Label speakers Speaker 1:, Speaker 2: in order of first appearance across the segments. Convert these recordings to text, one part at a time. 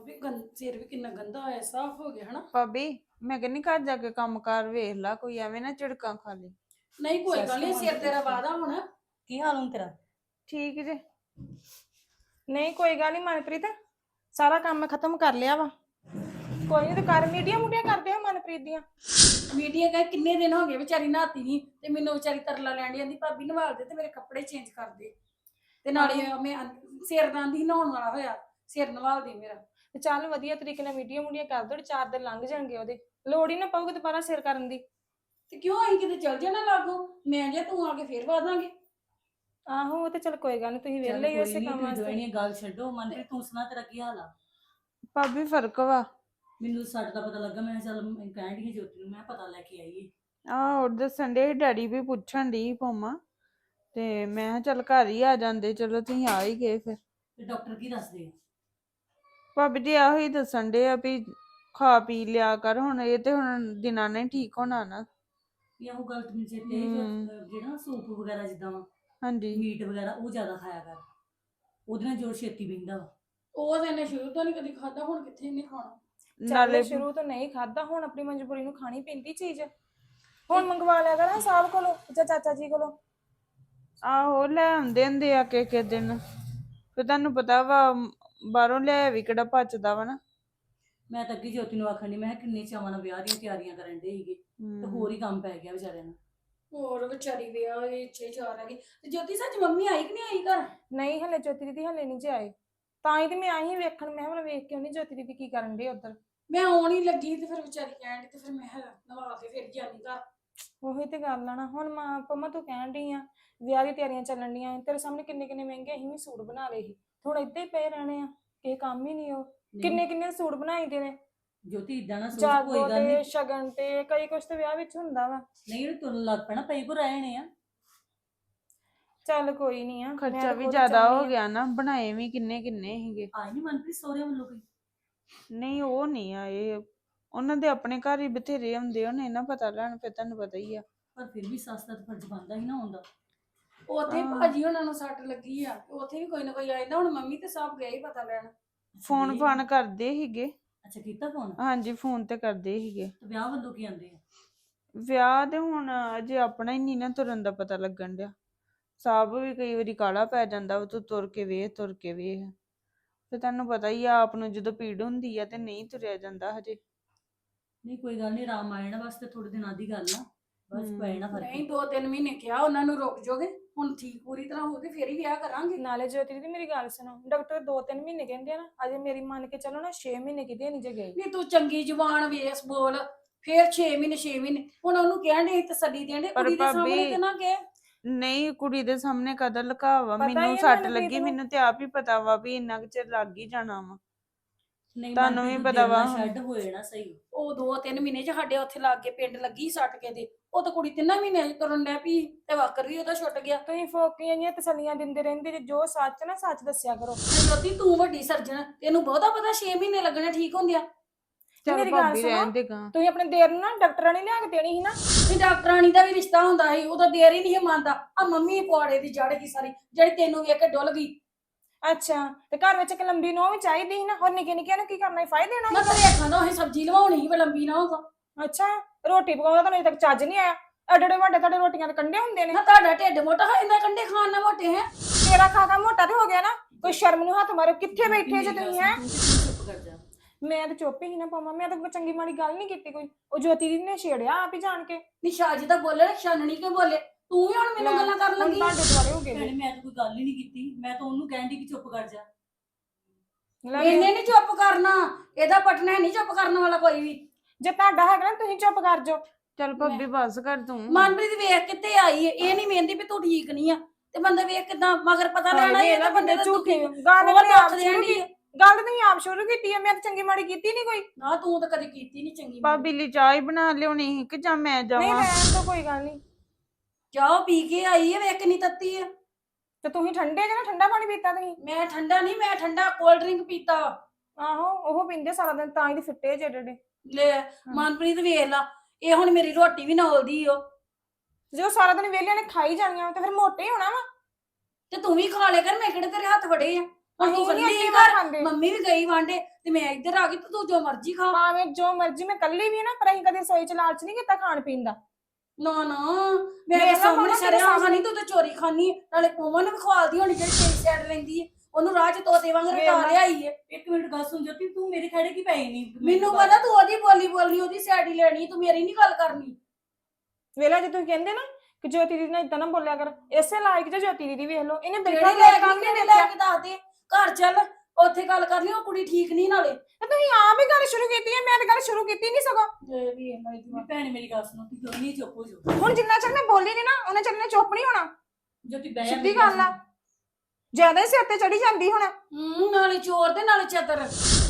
Speaker 1: ਵੀ ਸਿਰ ਵੀ ਕਿੰਨਾ ਗੰਦਾ ਹੋਇਆ, ਸਾਫ਼ ਹੋ ਗਿਆ ਹਨਾ।
Speaker 2: ਭਾਬੀ ਮੈਂ ਕਹਿੰਨੀ ਘਰ ਜਾ ਕੇ ਕੰਮ ਕਾਰ ਵੇਖ ਲਾ, ਕੋਈ ਐਵੇਂ ਨਾ ਝਿੜਕਾਂ ਖਾ ਲਈ।
Speaker 1: ਨਹੀਂ ਕੋਈ ਗੱਲ ਨਹੀਂ, ਸਿਰ ਤੇਰਾ ਵਾਦਾ ਹੁਣ।
Speaker 3: ਕੀ ਹਾਲ ਹੁਣ ਤੇਰਾ?
Speaker 2: ਠੀਕ ਜੇ।
Speaker 4: ਨਹੀਂ ਕੋਈ ਗੱਲ ਨਹੀਂ ਮਨਪ੍ਰੀਤ, ਸਾਰਾ ਕੰਮ ਮੈਂ ਖਤਮ ਕਰ ਲਿਆ ਵਾ। ਕੋਈ ਨਹੀਂ, ਤੇ ਕਰ ਮੀਡੀਆ ਮੂਡੀਆਂ ਕਰਦੇ ਹੋ ਮਨਪ੍ਰੀਤ ਦੀਆਂ।
Speaker 1: ਮੀਡੀਆ ਕਹੇ ਕਿੰਨੇ ਦਿਨ ਹੋ ਗਏ ਵਿਚਾਰੀ ਨਹਾਤੀ ਨਹੀਂ, ਤੇ ਮੈਨੂੰ ਵਿਚਾਰੀ ਤਰਲਾ ਲੈਣ ਦੀ ਆਂਦੀ ਭਾਬੀ ਨਵਾਲ ਦੇ ਤੇ ਮੇਰੇ ਕੱਪੜੇ ਚੇਂਜ ਕਰ ਦੇ, ਤੇ ਨਾਲੇ ਮੈਂ ਸਿਰ ਨਾਂਦੀ ਨਹਾਉਣ ਵਾਲਾ ਹੋਇਆ, ਸਿਰ ਨਵਾਲ ਦੇ ਮੇਰਾ।
Speaker 4: ਤੇ ਚੱਲ ਵਧੀਆ ਤਰੀਕੇ ਨਾਲ ਮੀਡੀਆ ਮੂਡੀਆਂ ਕਰ ਦੋ, 4 ਦਿਨ ਲੰਘ ਜਾਣਗੇ ਉਹਦੇ, ਲੋੜ ਹੀ ਨਾ ਪਊਗੀ ਦੁਬਾਰਾ ਸਿਰ ਕਰਨ ਦੀ।
Speaker 1: ਤੇ ਕਿਉਂ ਅਸੀਂ ਕਿਤੇ ਚੱਲ ਜਾਣਾ ਲਾਗੋ, ਮੈਂ ਜੇ ਤੂੰ ਆ ਕੇ ਫੇਰ ਵਾਦਾਂਗੇ।
Speaker 4: ਆਹੋ ਉਹ ਤੇ ਚੱਲ ਕੋਈ ਗੱਲ ਨਹੀਂ, ਤੁਸੀਂ ਵਿਹਲੇ ਹੀ ਉਸੇ ਕੰਮ ਵਾਸਤੇ।
Speaker 3: ਦੋਵੇਂ ਗੱਲ ਛੱਡੋ, ਮਨਪ੍ਰੀਤ ਤੂੰ ਸੁਣਾ ਤੇਰਾ ਕੀ ਹਾਲ ਆ?
Speaker 2: ਭਾਬੀ ਫਰਕ ਵਾ।
Speaker 3: ਮੈਨੂੰ ਸੱਟ ਦਾ ਪਤਾ ਲੱਗਾ, ਮੈਂ ਕਿਹਾ ਚੱਲ ਕਹਿਣ ਡਈ ਸੀ ਜੋਤੀ ਨੂੰ, ਮੈਂ ਪਤਾ ਲੈ ਕੇ ਆਈਏ।
Speaker 2: ਆਹ ਦੱਸਣ ਦੇ ਡੈਡੀ ਵੀ ਪੁੱਛਣ ਦੀ ਪੋਮਾ, ਤੇ ਮੈਂ ਕਿਹਾ ਚੱਲ ਘਰ ਹੀ ਆ ਜਾਂਦੇ, ਚਲੋ ਤੁਸੀਂ ਆ ਹੀ ਗਏ ਫਿਰ।
Speaker 3: ਤੇ ਡਾਕਟਰ ਕੀ ਦੱਸਦੇ ਆ?
Speaker 2: ਭਾਬੀ ਜੀ ਆਹੋ ਹੀ ਦੱਸਣ ਦੇ ਆ ਵੀ ਖਾ ਪੀ ਲਿਆ ਕਰ, ਹੁਣ ਇਹ ਤੇ ਹੁਣ ਦਿਨਾਂ ਨੇ ਠੀਕ ਹੋਣਾ ਨਾ।
Speaker 3: ਇਹ ਉਹ ਗੱਲ ਤੈਨੂੰ ਚੇਤੇ ਜਿਹੜਾ ਸੂਪ ਵਗੈਰਾ ਜਿੱਦਾਂ ਵਾ,
Speaker 2: ਹਾਂਜੀ
Speaker 3: ਮੀਟ ਵਗੈਰਾ ਉਹ ਜ਼ਿਆਦਾ ਖਾਇਆ ਕਰ, ਉਹਦੇ ਨਾਲ ਜੋਰ ਛੇਤੀ ਬਹਿੰਦਾ ਵਾ।
Speaker 1: ਉਹ ਤਾਂ ਇਹਨੇ ਸ਼ੁਰੂ ਤੋਂ ਨਹੀਂ ਕਦੀ ਖਾਦਾ, ਹੁਣ ਕਿੱਥੇ ਇਹਨੇ ਖਾਣਾ।
Speaker 4: ਨਾਲੇ ਸ਼ੁਰੂ ਤੋਂ ਨਹੀਂ ਖਾਦਾ, ਹੁਣ ਆਪਣੀ ਮਜਬੂਰੀ ਨੂੰ ਖਾਣੀ ਪੈਂਦੀ ਚੀਜ਼। ਹੁਣ ਮੰਗਵਾ ਲਿਆ ਕਰ ਸਾਹਿਬ ਕੋਲੋਂ ਜਾਂ ਚਾਚਾ ਜੀ ਕੋਲੋਂ।
Speaker 2: ਆਹੋ ਲੈ ਆਉਂਦੇ ਹੁੰਦੇ ਆ ਕੇ ਦਿਨ, ਫਿਰ ਤੁਹਾਨੂੰ ਪਤਾ ਵਾ ਬਾਹਰੋਂ ਲਿਆ ਵੀ ਕਿਹੜਾ ਪਚਦਾ ਵਾ ਨਾ।
Speaker 3: ਮੈਂ ਤਾਂ ਅੱਗੇ ਜੋਤੀ ਨੂੰ ਆਖਣ ਡਈ, ਮੈਂ ਕਿਹਾ ਕਿੰਨੇ ਚਾਵਾਂ ਨਾਲ ਵਿਆਹ ਦੀਆਂ ਤਿਆਰੀਆਂ ਕਰਨ ਦੇ ਸੀਗੇ, ਤੇ ਹੋਰ ਹੀ ਕੰਮ ਪੈ ਗਿਆ ਵਿਚਾਰਿਆਂ ਨੂੰ।
Speaker 1: ਹੋਰ ਵਿਚਾਰੀ ਵਿਆਹ ਦੇ 6-4 ਆ ਗਈ। ਤੇ ਜੋਤੀ ਸੱਚ ਮੰਮੀ ਆਈ ਕਿ ਨਹੀਂ ਆਈ ਘਰ?
Speaker 4: ਨਹੀਂ ਹਲੇ ਜੋਤੀ ਦੀਦੀ ਹਲੇ ਨਹੀਂ ਜੇ ਆਏ, ਤਾਂ ਹੀ ਤੇ ਮੈਂ ਆਈ ਵੇਖਣ, ਮੈਂ ਕਿਹਾ ਵੇਖ ਕੇ ਆਉਣੀ ਜੋਤੀ ਦੀਦੀ ਕੀ ਕਰਨ ਦੇ ਉੱਧਰ।
Speaker 1: ਮੈਂ ਆਉਣ ਹੀ ਲੱਗੀ ਤੇ ਫਿਰ ਵਿਚਾਰੀ ਕਹਿਣ ਡਈ, ਤੇ ਫਿਰ ਮੈਂ ਨਵਾ ਕੇ ਫਿਰ ਜਾਨੀ ਘਰ।
Speaker 4: ਉਹੀ ਤੇ ਗੱਲ ਆ ਨਾ, ਹੁਣ ਮਾਂ ਪੰਮਾ ਤੂੰ ਕਹਿਣ ਡਈ ਆ ਵਿਆਹ ਦੀ ਤਿਆਰੀਆਂ ਚੱਲਣ ਡੀਆਂ, ਤੇਰੇ ਸਾਹਮਣੇ ਕਿੰਨੇ ਕਿੰਨੇ ਮਹਿੰਗੇ ਅਸੀਂ ਵੀ ਸੂਟ ਬਣਾ ਲਏ ਸੀ, ਹੁਣ ਏਦਾਂ ਹੀ ਪਏ ਰਹਿਣੇ ਆ, ਇਹ ਕੰਮ ਹੀ ਨਹੀਂ। ਉਹ ਕਿੰਨੇ ਕਿੰਨੇ ਸੂਟ ਬਣਾਈ ਦੇ ਨੇ,
Speaker 3: ਜੋਤੀ ਇਦਾਂ ਨਾ ਸੋਚ, ਕੋਈ
Speaker 4: ਜਾਗੋ
Speaker 3: ਗੱਲ
Speaker 4: ਤੇ
Speaker 3: ਨਹੀਂ।
Speaker 4: ਸ਼ਗਨ ਤੇ ਕਈ ਕੁਛ ਤੇ ਵਿਆਹ ਵਿੱਚ ਹੁੰਦਾ ਵਾ।
Speaker 3: ਨਹੀਂ ਉਹਨੂੰ ਤੁਰਨ ਲੱਗ ਪੈਣਾ, ਪਈ ਕੋ ਰਹਿਣੇ ਆ।
Speaker 4: ਚੱਲ ਕੋਈ ਨਹੀਂ ਆ,
Speaker 2: ਖਰਚਾ ਵੀ ਜ਼ਿਆਦਾ ਹੋ ਗਿਆ ਨਾ, ਬਣਾਏ ਵੀ ਕਿੰਨੇ ਕਿੰਨੇ ਸੀਗੇ।
Speaker 3: ਆਈ ਨਹੀਂ ਮਨਪ੍ਰੀਤ ਸਹੁਰੇ ਵੱਲੋਂ ਕੋਈ?
Speaker 2: ਨਹੀਂ ਉਹ ਨਹੀਂ ਆਏ, ਉਹਨਾਂ ਦੇ ਆਪਣੇ ਘਰ ਹੀ ਬਥੇਰੇ ਹੁੰਦੇ, ਉਹਨੇ ਨਾ ਪਤਾ ਲੈਣ, ਫਿਰ ਤੁਹਾਨੂੰ ਪਤਾ ਹੀ ਆ।
Speaker 3: ਪਰ ਫਿਰ ਵੀ ਸੱਸ ਦਾ ਤਾਂ ਫਰਜ਼ ਬਣਦਾ ਹੀ ਨਾ ਹੁੰਦਾ।
Speaker 1: ਉੱਥੇ ਭਾਜੀ ਉਹਨਾਂ ਨੂੰ ਸੱਟ ਲੱਗੀ ਆ, ਉੱਥੇ ਵੀ ਕੋਈ ਨਾ ਕੋਈ ਆ ਜਾਂਦਾ। ਹੁਣ ਮੰਮੀ ਤੇ ਸਭ ਗਏ ਹੀ ਪਤਾ ਲੈਣ।
Speaker 2: ਫੋਨ ਫਾਨ ਕਰਦੇ ਸੀਗੇ।
Speaker 3: ਅੱਛਾ ਕੀਤਾ ਫੋਨ?
Speaker 2: ਹਾਂਜੀ ਫੋਨ ਤੇ ਕਰਦੇ ਸੀਗੇ।
Speaker 3: ਤੇ ਵਿਆਹ ਵੱਲੋਂ ਕੀ ਆਂਦੇ ਆ?
Speaker 2: ਵਿਆਹ ਦੇ ਹੁਣ ਅਜੇ ਆਪਣਾ ਹੀ ਨਹੀਂ ਨਾ ਤੁਰਨ ਦਾ ਪਤਾ ਲੱਗਣ ਡਿਆ। ਸਾਬ ਵੀ ਕਈ ਵਾਰੀ ਕਾਲਾ ਪੈ ਜਾਂਦਾ, ਉਹ ਤੂੰ ਤੁਰ ਕੇ ਵੇਖ ਤੇ ਤੁਹਾਨੂੰ ਪਤਾ ਹੀ ਆ, ਆਪ ਨੂੰ ਜਦੋਂ ਪੀੜ ਹੁੰਦੀ ਆ ਤੇ ਨਹੀਂ ਤੁਰਿਆ ਜਾਂਦਾ ਹਜੇ।
Speaker 3: ਨਹੀਂ ਕੋਈ ਗੱਲ ਨਹੀਂ, ਆਰਾਮ ਆ ਜਾਣਾ, ਬਸ ਤੇ ਥੋੜੇ ਦਿਨਾਂ ਦੀ ਗੱਲ ਆ, ਬਸ ਪੈ ਜਾਣਾ ਫਰਕ।
Speaker 1: ਨਹੀਂ 2-3 ਮਹੀਨੇ ਕਿਹਾ ਉਹਨਾਂ ਨੂੰ, ਰੁਕ ਜਾਓਗੇ, ਹੁਣ ਠੀਕ ਪੂਰੀ ਤਰ੍ਹਾਂ ਹੋ ਗਏ ਫੇਰ ਹੀ ਵਿਆਹ ਕਰਾਂਗੇ।
Speaker 4: ਨਾਲੇ ਜੋਤੀ ਦੀਦੀ ਮੇਰੀ ਗੱਲ ਸੁਣੋ, ਡਾਕਟਰ 2-3 ਮਹੀਨੇ ਕਹਿੰਦੇ ਆ ਨਾ, ਅਜੇ ਮੇਰੀ ਮੰਨ ਕੇ ਚੱਲੋ ਨਾ 6 ਮਹੀਨੇ ਕਿਤੇ ਨਹੀਂ ਜੇ ਗਏ।
Speaker 1: ਨਹੀਂ ਤੂੰ ਚੰਗੀ ਜ਼ੁਬਾਨ ਵੇਸ ਬੋਲ, ਫੇਰ 6 ਮਹੀਨੇ ਹੁਣ ਉਹਨੂੰ ਕਹਿਣ ਦੇ ਤਸੱਲੀ ਦੇਣ ਦੇ,
Speaker 2: ਪਰ
Speaker 1: ਕੁੜੀ ਦੇ ਸਾਹਮਣੇ
Speaker 2: ਭਾਬੀ,
Speaker 1: ਤੇ ਨਾ ਕਹੇ।
Speaker 2: ਨਹੀਂ ਕੁੜੀ ਦੇ ਸਾਹਮਣੇ ਕਦਰ ਲੁਕਾਵਾ,
Speaker 4: ਪਤਾ ਹੀ
Speaker 2: ਮੈਨੂੰ
Speaker 4: ਆ
Speaker 2: ਸੱਟ
Speaker 4: ਮੈਨੂੰ
Speaker 2: ਲੱਗੀ,
Speaker 4: ਤੈਨੂੰ।
Speaker 2: ਮੈਨੂੰ ਤੇ ਆਪ ਹੀ ਪਤਾ ਵਾ ਵੀ ਇੰਨਾ ਕੁ ਚਿਰ ਲੱਗ ਹੀ ਜਾਣਾ ਵਾ।
Speaker 3: ਨਹੀਂ
Speaker 2: ਤੁਹਾਨੂੰ ਵੀ ਪਤਾ ਵਾ ਹੁਣ।
Speaker 3: ਛੱਡ ਹੋਏ ਨਾ ਸਹੀ।
Speaker 1: ਉਹ 2-3 ਮਹੀਨੇ ਚ ਸਾਡੇ ਉੱਥੇ ਲੱਗ ਕੇ ਪਿੰਡ ਲੱਗੀ ਸੱਟ ਕੇ ਦੇ, ਉਹ ਤਾਂ ਕੁੜੀ 3 ਮਹੀਨੇ ਚ ਤੁਰਨ ਡੈ ਪਈ, ਤੇ ਵਾਕਰ ਵੀ ਉਹਦਾ ਛੁੱਟ ਗਿਆ।
Speaker 4: ਤੁਸੀਂ ਫੋਕੀਆਂ ਜੀਆਂ ਤਸੱਲੀਆਂ ਦਿੰਦੇ ਰਹਿੰਦੇ ਜੇ, ਜੋ ਸੱਚ ਨਾ ਸੱਚ ਦੱਸਿਆ ਕਰੋ।
Speaker 1: ਜੋਤੀ ਤੂੰ ਵੱਡੀ ਸਰਜਣ, ਤੈਨੂੰ ਬਹੁਤਾ ਪਤਾ 6 ਮਹੀਨੇ ਲੱਗਣੇ ਠੀਕ ਹੁੰਦਿਆ।
Speaker 4: ਤੇ
Speaker 2: ਚੱਲ
Speaker 4: ਮੇਰੀ ਗੱਲ
Speaker 2: ਭਾਬੀ ਰਹਿਣ
Speaker 4: ਸੁਣੋ,
Speaker 2: ਦੇ ਗਾ।
Speaker 4: ਤੁਸੀਂ ਆਪਣੇ ਦੇਰ ਨੂੰ ਨਾ ਡਾਕਟਰਾਂ ਨੇ ਲਿਆ ਕੇ ਦੇਣੀ ਸੀ ਨਾ।
Speaker 1: ਵੀ ਡਾਕਟਰਾਣੀ ਦਾ ਵੀ ਰਿਸ਼ਤਾ ਹੁੰਦਾ ਸੀ, ਉਹਦਾ ਦੇਰ ਹੀ ਨਹੀਂ ਮੰਨਦਾ। ਆ ਮੰਮੀ ਪੁਆੜੇ ਦੀ ਜੜ ਗਈ ਸਾਰੀ, ਜਿਹੜੀ ਤੈਨੂੰ ਵੇਖ ਕੇ ਡੁੱਲ ਗਈ।
Speaker 4: ਅੱਛਾ, ਤੇ ਘਰ ਵਿੱਚ ਇੱਕ ਲੰਬੀ ਨੋਹ ਵੀ ਚਾਹੀਦੀ ਸੀ ਨਾ, ਹੋਰ ਨਿੱਕੇ ਨਿੱਕਿਆਂ ਨੂੰ ਕੀ ਕਰਨਾ ਸੀ, ਫਾਇਦੇ ਦੇਣਾ
Speaker 1: ਮੈਂ ਘਰੇ ਖਾਂਦਾ ਅਸੀਂ ਸਬਜ਼ੀ ਲਵਾਉਣੀ ਸੀ, ਲੰਬੀ ਨਾ ਹੋਗਾ।
Speaker 4: ਅੱਛਾ, ਰੋਟੀ ਪਕਾਉਂਦਾ ਤੁਹਾਨੂੰ ਅਜੇ ਤੱਕ ਚੱਜ ਨਹੀਂ ਆਇਆ। ਐਡੇ ਵੱਡੇ ਤੁਹਾਡੇ ਰੋਟੀਆਂ ਦੇ ਕੰਡੇ ਹੁੰਦੇ ਨੇ।
Speaker 1: ਨਾ ਤੁਹਾਡਾ ਢਿੱਡ ਮੋਟਾ ਹੋ ਜਾਂਦਾ, ਕੰਡੇ ਖਾਣ ਨਾਲ ਮੋਟੇ ਹੈ।
Speaker 4: ਤੇਰਾ ਖਾ ਖਾ ਮੋਟਾ ਤੇ ਹੋ ਗਿਆ ਨਾ, ਕੋਈ ਸ਼ਰਮ ਨੂੰ ਹੱਥ ਮਾਰੋ, ਕਿੱਥੇ ਬੈਠੇ ਜੇ ਤੁਸੀਂ ਹੈ।
Speaker 3: ਚੁੱਪ ਕਰ ਜਾ।
Speaker 4: ਮੈਂ ਤਾਂ ਚੁੱਪ ਹੀ ਨਾ ਪਾਵਾਂ, ਮੈਂ ਤਾਂ ਕੋਈ ਚੰਗੀ ਮਾੜੀ ਗੱਲ ਨਹੀਂ ਕੀਤੀ ਕੋਈ। ਉਹ ਜੋਤੀ ਦੀ ਨੇ ਛੇੜਿਆ ਆਪ ਹੀ ਜਾਣ ਕੇ।
Speaker 1: ਨਿਸ਼ਾਜੀ ਤਾਂ ਬੋਲੇ, ਛਾਨਣੀ ਕੇ ਬੋਲੇ, ਤੂੰ ਵੀ ਹੁਣ ਮੈਨੂੰ ਗੱਲਾਂ ਕਰਨ
Speaker 4: ਹੁਣ
Speaker 1: ਲੱਗੀ।
Speaker 4: ਤੁਹਾਡੇ ਦੁਆਲੇ ਹੋ ਗਏ
Speaker 3: ਭੈਣੇ ਮੈਂ ਤਾਂ ਕੋਈ ਗੱਲ ਹੀ ਨਹੀਂ ਕੀਤੀ, ਮੈਂ ਤਾਂ ਉਹਨੂੰ ਕਹਿਣ ਡਈ ਕਿ ਚੁੱਪ ਕਰ ਜਾ।
Speaker 1: ਇਹਨੇ ਨਹੀਂ ਚੁੱਪ ਕਰਨਾ, ਇਹਦਾ ਪਟਨਾ ਨਹੀਂ ਚੁੱਪ ਕਰਨ ਵਾਲਾ ਕੋਈ ਵੀ।
Speaker 4: ਜੇ ਤੁਹਾਡਾ ਹੈਗਾ ਨਾ ਤੁਸੀਂ ਚੁੱਪ ਕਰ ਜਾਓ।
Speaker 2: ਚੱਲ ਭਾਬੀ ਬਸ ਕਰ ਤੂੰ।
Speaker 1: ਮਨਪ੍ਰੀਤ ਵੇਖ ਕਿੱਥੇ ਆਈ ਹੈ, ਇਹ ਨਹੀਂ ਵੇਂਦੀ ਵੀ ਤੂੰ ਠੀਕ ਨਹੀਂ ਆ, ਤੇ ਬੰਦਾ ਵੇਖ ਕਿਦਾਂ ਮਗਰ ਪਤਾ ਲੈਣਾ
Speaker 4: ਹਾਏ
Speaker 1: ਇਹ
Speaker 4: ਵੇਖ
Speaker 1: ਤਾਂ ਬੰਦੇ ਦਾ
Speaker 4: ਝੂਠੇ
Speaker 1: ਝੂਠੀ
Speaker 4: ਗੱਲ
Speaker 1: ਉਹ
Speaker 4: ਤੁਸੀਂ ਆਪ
Speaker 1: ਦੁੱਖ
Speaker 4: ਸ਼ੁਰੂ
Speaker 1: ਦੇਣੀ
Speaker 4: ਕੀਤੀ।
Speaker 1: ਹੈ।
Speaker 4: ਗੱਲ ਤਾਂ ਤੁਸੀਂ ਆਪ ਸ਼ੁਰੂ ਕੀਤੀ ਹੈ, ਮੈਂ ਤਾਂ ਚੰਗੀ ਮਾੜੀ ਕੀਤੀ ਨਹੀਂ ਕੋਈ।
Speaker 1: ਨਾ ਤੂੰ ਤਾਂ ਕਦੀ ਕੀਤੀ ਨਹੀਂ ਚੰਗੀ।
Speaker 2: ਭਾਬੀ ਲਈ ਚਾਹ ਹੀ ਬਣਾ ਲਿਆਉਣੀ ਸੀ ਕਿ ਜਾਂ ਮੈਂ
Speaker 4: ਨਹੀਂ
Speaker 2: ਜਾਵਾਂ?
Speaker 4: ਰਹਿਣ ਤੋਂ ਕੋਈ ਗੱਲ ਨਹੀਂ।
Speaker 1: ਚਾਹ ਪੀ ਕੇ ਆਈ ਹੈ, ਵੇਖ ਕਿੰਨੀ ਤੱਤੀ ਹੈ।
Speaker 4: ਤੇ ਤੁਸੀਂ ਠੰਡੇ ਜਾਂ ਠੰਡਾ ਪਾਣੀ ਪੀਤਾ ਤੁਸੀਂ?
Speaker 1: ਮੈਂ ਠੰਡਾ ਨਹੀਂ, ਮੈਂ ਠੰਡਾ ਕੋਲਡ ਡਰਿੰਕ ਪੀਤਾ।
Speaker 4: ਆਹੋ ਉਹ ਪੀਂਦੇ ਸਾਰਾ ਦਿਨ, ਤਾਂ ਹੀ ਤੇ ਫਿੱਟੇ ਜਿਹੜੇ।
Speaker 1: ਲੈ ਮਨਪ੍ਰੀਤ ਵੇਖ ਲਾ, ਇਹ ਹੁਣ ਮੇਰੀ ਰੋਟੀ ਵੀ ਨੌਲਦੀ ਓ।
Speaker 4: ਜੇ ਉਹ ਸਾਰਾ ਦਿਨ ਵਿਹਲਿਆਂ ਨੇ ਖਾਈ ਜਾਣੀਆਂ ਤੇ ਫਿਰ ਮੋਟੇ ਹੀ ਹੋਣਾ ਵਾ।
Speaker 1: ਤੇ ਤੂੰ ਵੀ ਖਾ ਲਿਆ ਕਰ, ਮੈਂ ਕਿਹੜੇ ਤੇਰੇ ਹੱਥ ਵੜੇ ਆ। ਹੁਣ ਤੂੰ
Speaker 4: ਅਸੀਂ ਨੀ
Speaker 1: ਕੱਲੀ
Speaker 4: ਅੱਗੇ
Speaker 1: ਘਰ
Speaker 4: ਖਾਂਦੇ।
Speaker 1: ਮੰਮੀ ਵੀ ਗਈ ਵਾਂਡੇ ਤੇ ਮੈਂ ਇੱਧਰ ਆ ਗਈ ਤੇ ਤੂੰ ਜੋ ਮਰਜ਼ੀ ਖਾ।
Speaker 4: ਭਾਵੇਂ ਜੋ ਮਰਜ਼ੀ ਮੈਂ ਕੱਲੀ ਵੀ ਨਾ, ਪਰ ਅਸੀਂ ਕਦੇ ਸੋਈ ਚ ਲਾਲਚ ਨਹੀਂ ਕੀਤਾ ਖਾਣ ਪੀਣ ਦਾ।
Speaker 1: ਨਾ ਨਾ
Speaker 4: ਵੇਖ
Speaker 1: ਮੇਰੇ
Speaker 4: ਲਾ
Speaker 1: ਸਾਹਮਣੇ
Speaker 4: ਮੰਮਾ
Speaker 1: ਸਾਰੇ
Speaker 4: ਤੇਰੇ
Speaker 1: ਆਹਾਂ ਨਹੀਂ ਤੂੰ ਤੇ ਚੋਰੀ ਖਾਨੀ ਏ। ਨਾਲੇ ਪਵਨ ਨੂੰ ਵੀ ਖਵਾਲਦੀ ਹੋਣੀ ਜਿਹੜੀ ਤੇਰੀ ਸਾਈਡ ਲੈਂਦੀ ਏ, ਉਹਨੂੰ ਰਾਹ ਚ ਤੋਤੇ ਵਾਂਗ
Speaker 4: ਵੇਖ
Speaker 1: ਰਟਾ
Speaker 4: ਲਾ।
Speaker 1: ਲਿਆਈ ਏ।
Speaker 3: ਇੱਕ ਮਿੰਟ ਗੱਲ ਸੁਣ ਜੋਤੀ, ਤੂੰ ਮੇਰੇ ਖੜੇ ਕੀ ਪਈ ਨਹੀਂ
Speaker 1: ਮੈਨੂੰ ਪਤਾ ਤੂੰ ਉਹਦੀ ਬੋਲੀ ਬੋਲਣੀ, ਉਹਦੀ ਸਾਈਡ ਹੀ ਲੈਣੀ, ਤੂੰ ਮੇਰੀ ਨਹੀਂ ਗੱਲ ਕਰਨੀ।
Speaker 4: ਵੇਲਾ ਜੇ ਤੁਸੀਂ ਕਹਿੰਦੇ ਨਾ ਕਿ ਜੋਤੀ ਦੀਦੀ ਨਾਲ ਇਦਾਂ ਨਾ ਬੋਲਿਆ ਕਰ, ਇਸੇ ਲਾਇਕ ਜੇ ਜੋਤੀ ਦੀਦੀ ਵੇਖ ਲਓ, ਇਹਨੇ
Speaker 1: ਕਿਹੜੀ
Speaker 4: ਬਿਲਕੁਲ
Speaker 1: ਲੈ
Speaker 4: ਕੰਮ
Speaker 1: ਕੇ
Speaker 4: ਨਹੀਂ
Speaker 1: ਲੈ
Speaker 4: ਦੇਖਿਆ।
Speaker 1: ਕੇ ਦੱਸ ਦੇ, ਘਰ ਚੱਲ ਉੱਥੇ ਗੱਲ ਕਰਨੀ, ਉਹ ਕੁੜੀ ਠੀਕ ਨਹੀਂ ਨਾਲੇ।
Speaker 4: ਤੇ ਤੁਸੀਂ ਆਪ ਹੀ ਗੱਲ ਸ਼ੁਰੂ ਕੀਤੀ ਹੈ, ਮੈਂ ਤਾਂ ਗੱਲ ਸ਼ੁਰੂ ਕੀਤੀ ਨਹੀਂ ਸਗੋਂ।
Speaker 3: ਭੈਣ ਮੇਰੀ ਗੱਲ ਸੁਣੋ, ਤੂੰ ਦੋਨੀ ਚੁੱਪ ਹੋ ਜਾਓ।
Speaker 4: ਹੁਣ ਜਿੰਨਾ ਚਿਰ ਮੈਂ ਬੋਲੀ ਨਹੀਂ ਨਾ, ਉਹਨਾਂ ਚਿਰ ਮੈਂ ਚੁੱਪ ਨਹੀਂ ਹੋਣਾ।
Speaker 3: ਜੋਤੀ ਬਹਿ ਜਾ,
Speaker 4: ਸਿੱਧੀ
Speaker 3: ਮੇਰੀ
Speaker 4: ਗੱਲ ਆ।
Speaker 3: ਸੁਣ।
Speaker 4: ਜ਼ਿਆਦਾ ਹੀ ਸਿਰ ਤੇ ਚੜੀ ਜਾਂਦੀ ਹੁਣ।
Speaker 1: ਨਾਲੇ ਚੋਰ ਤੇ ਨਾਲੇ ਚਤਰ।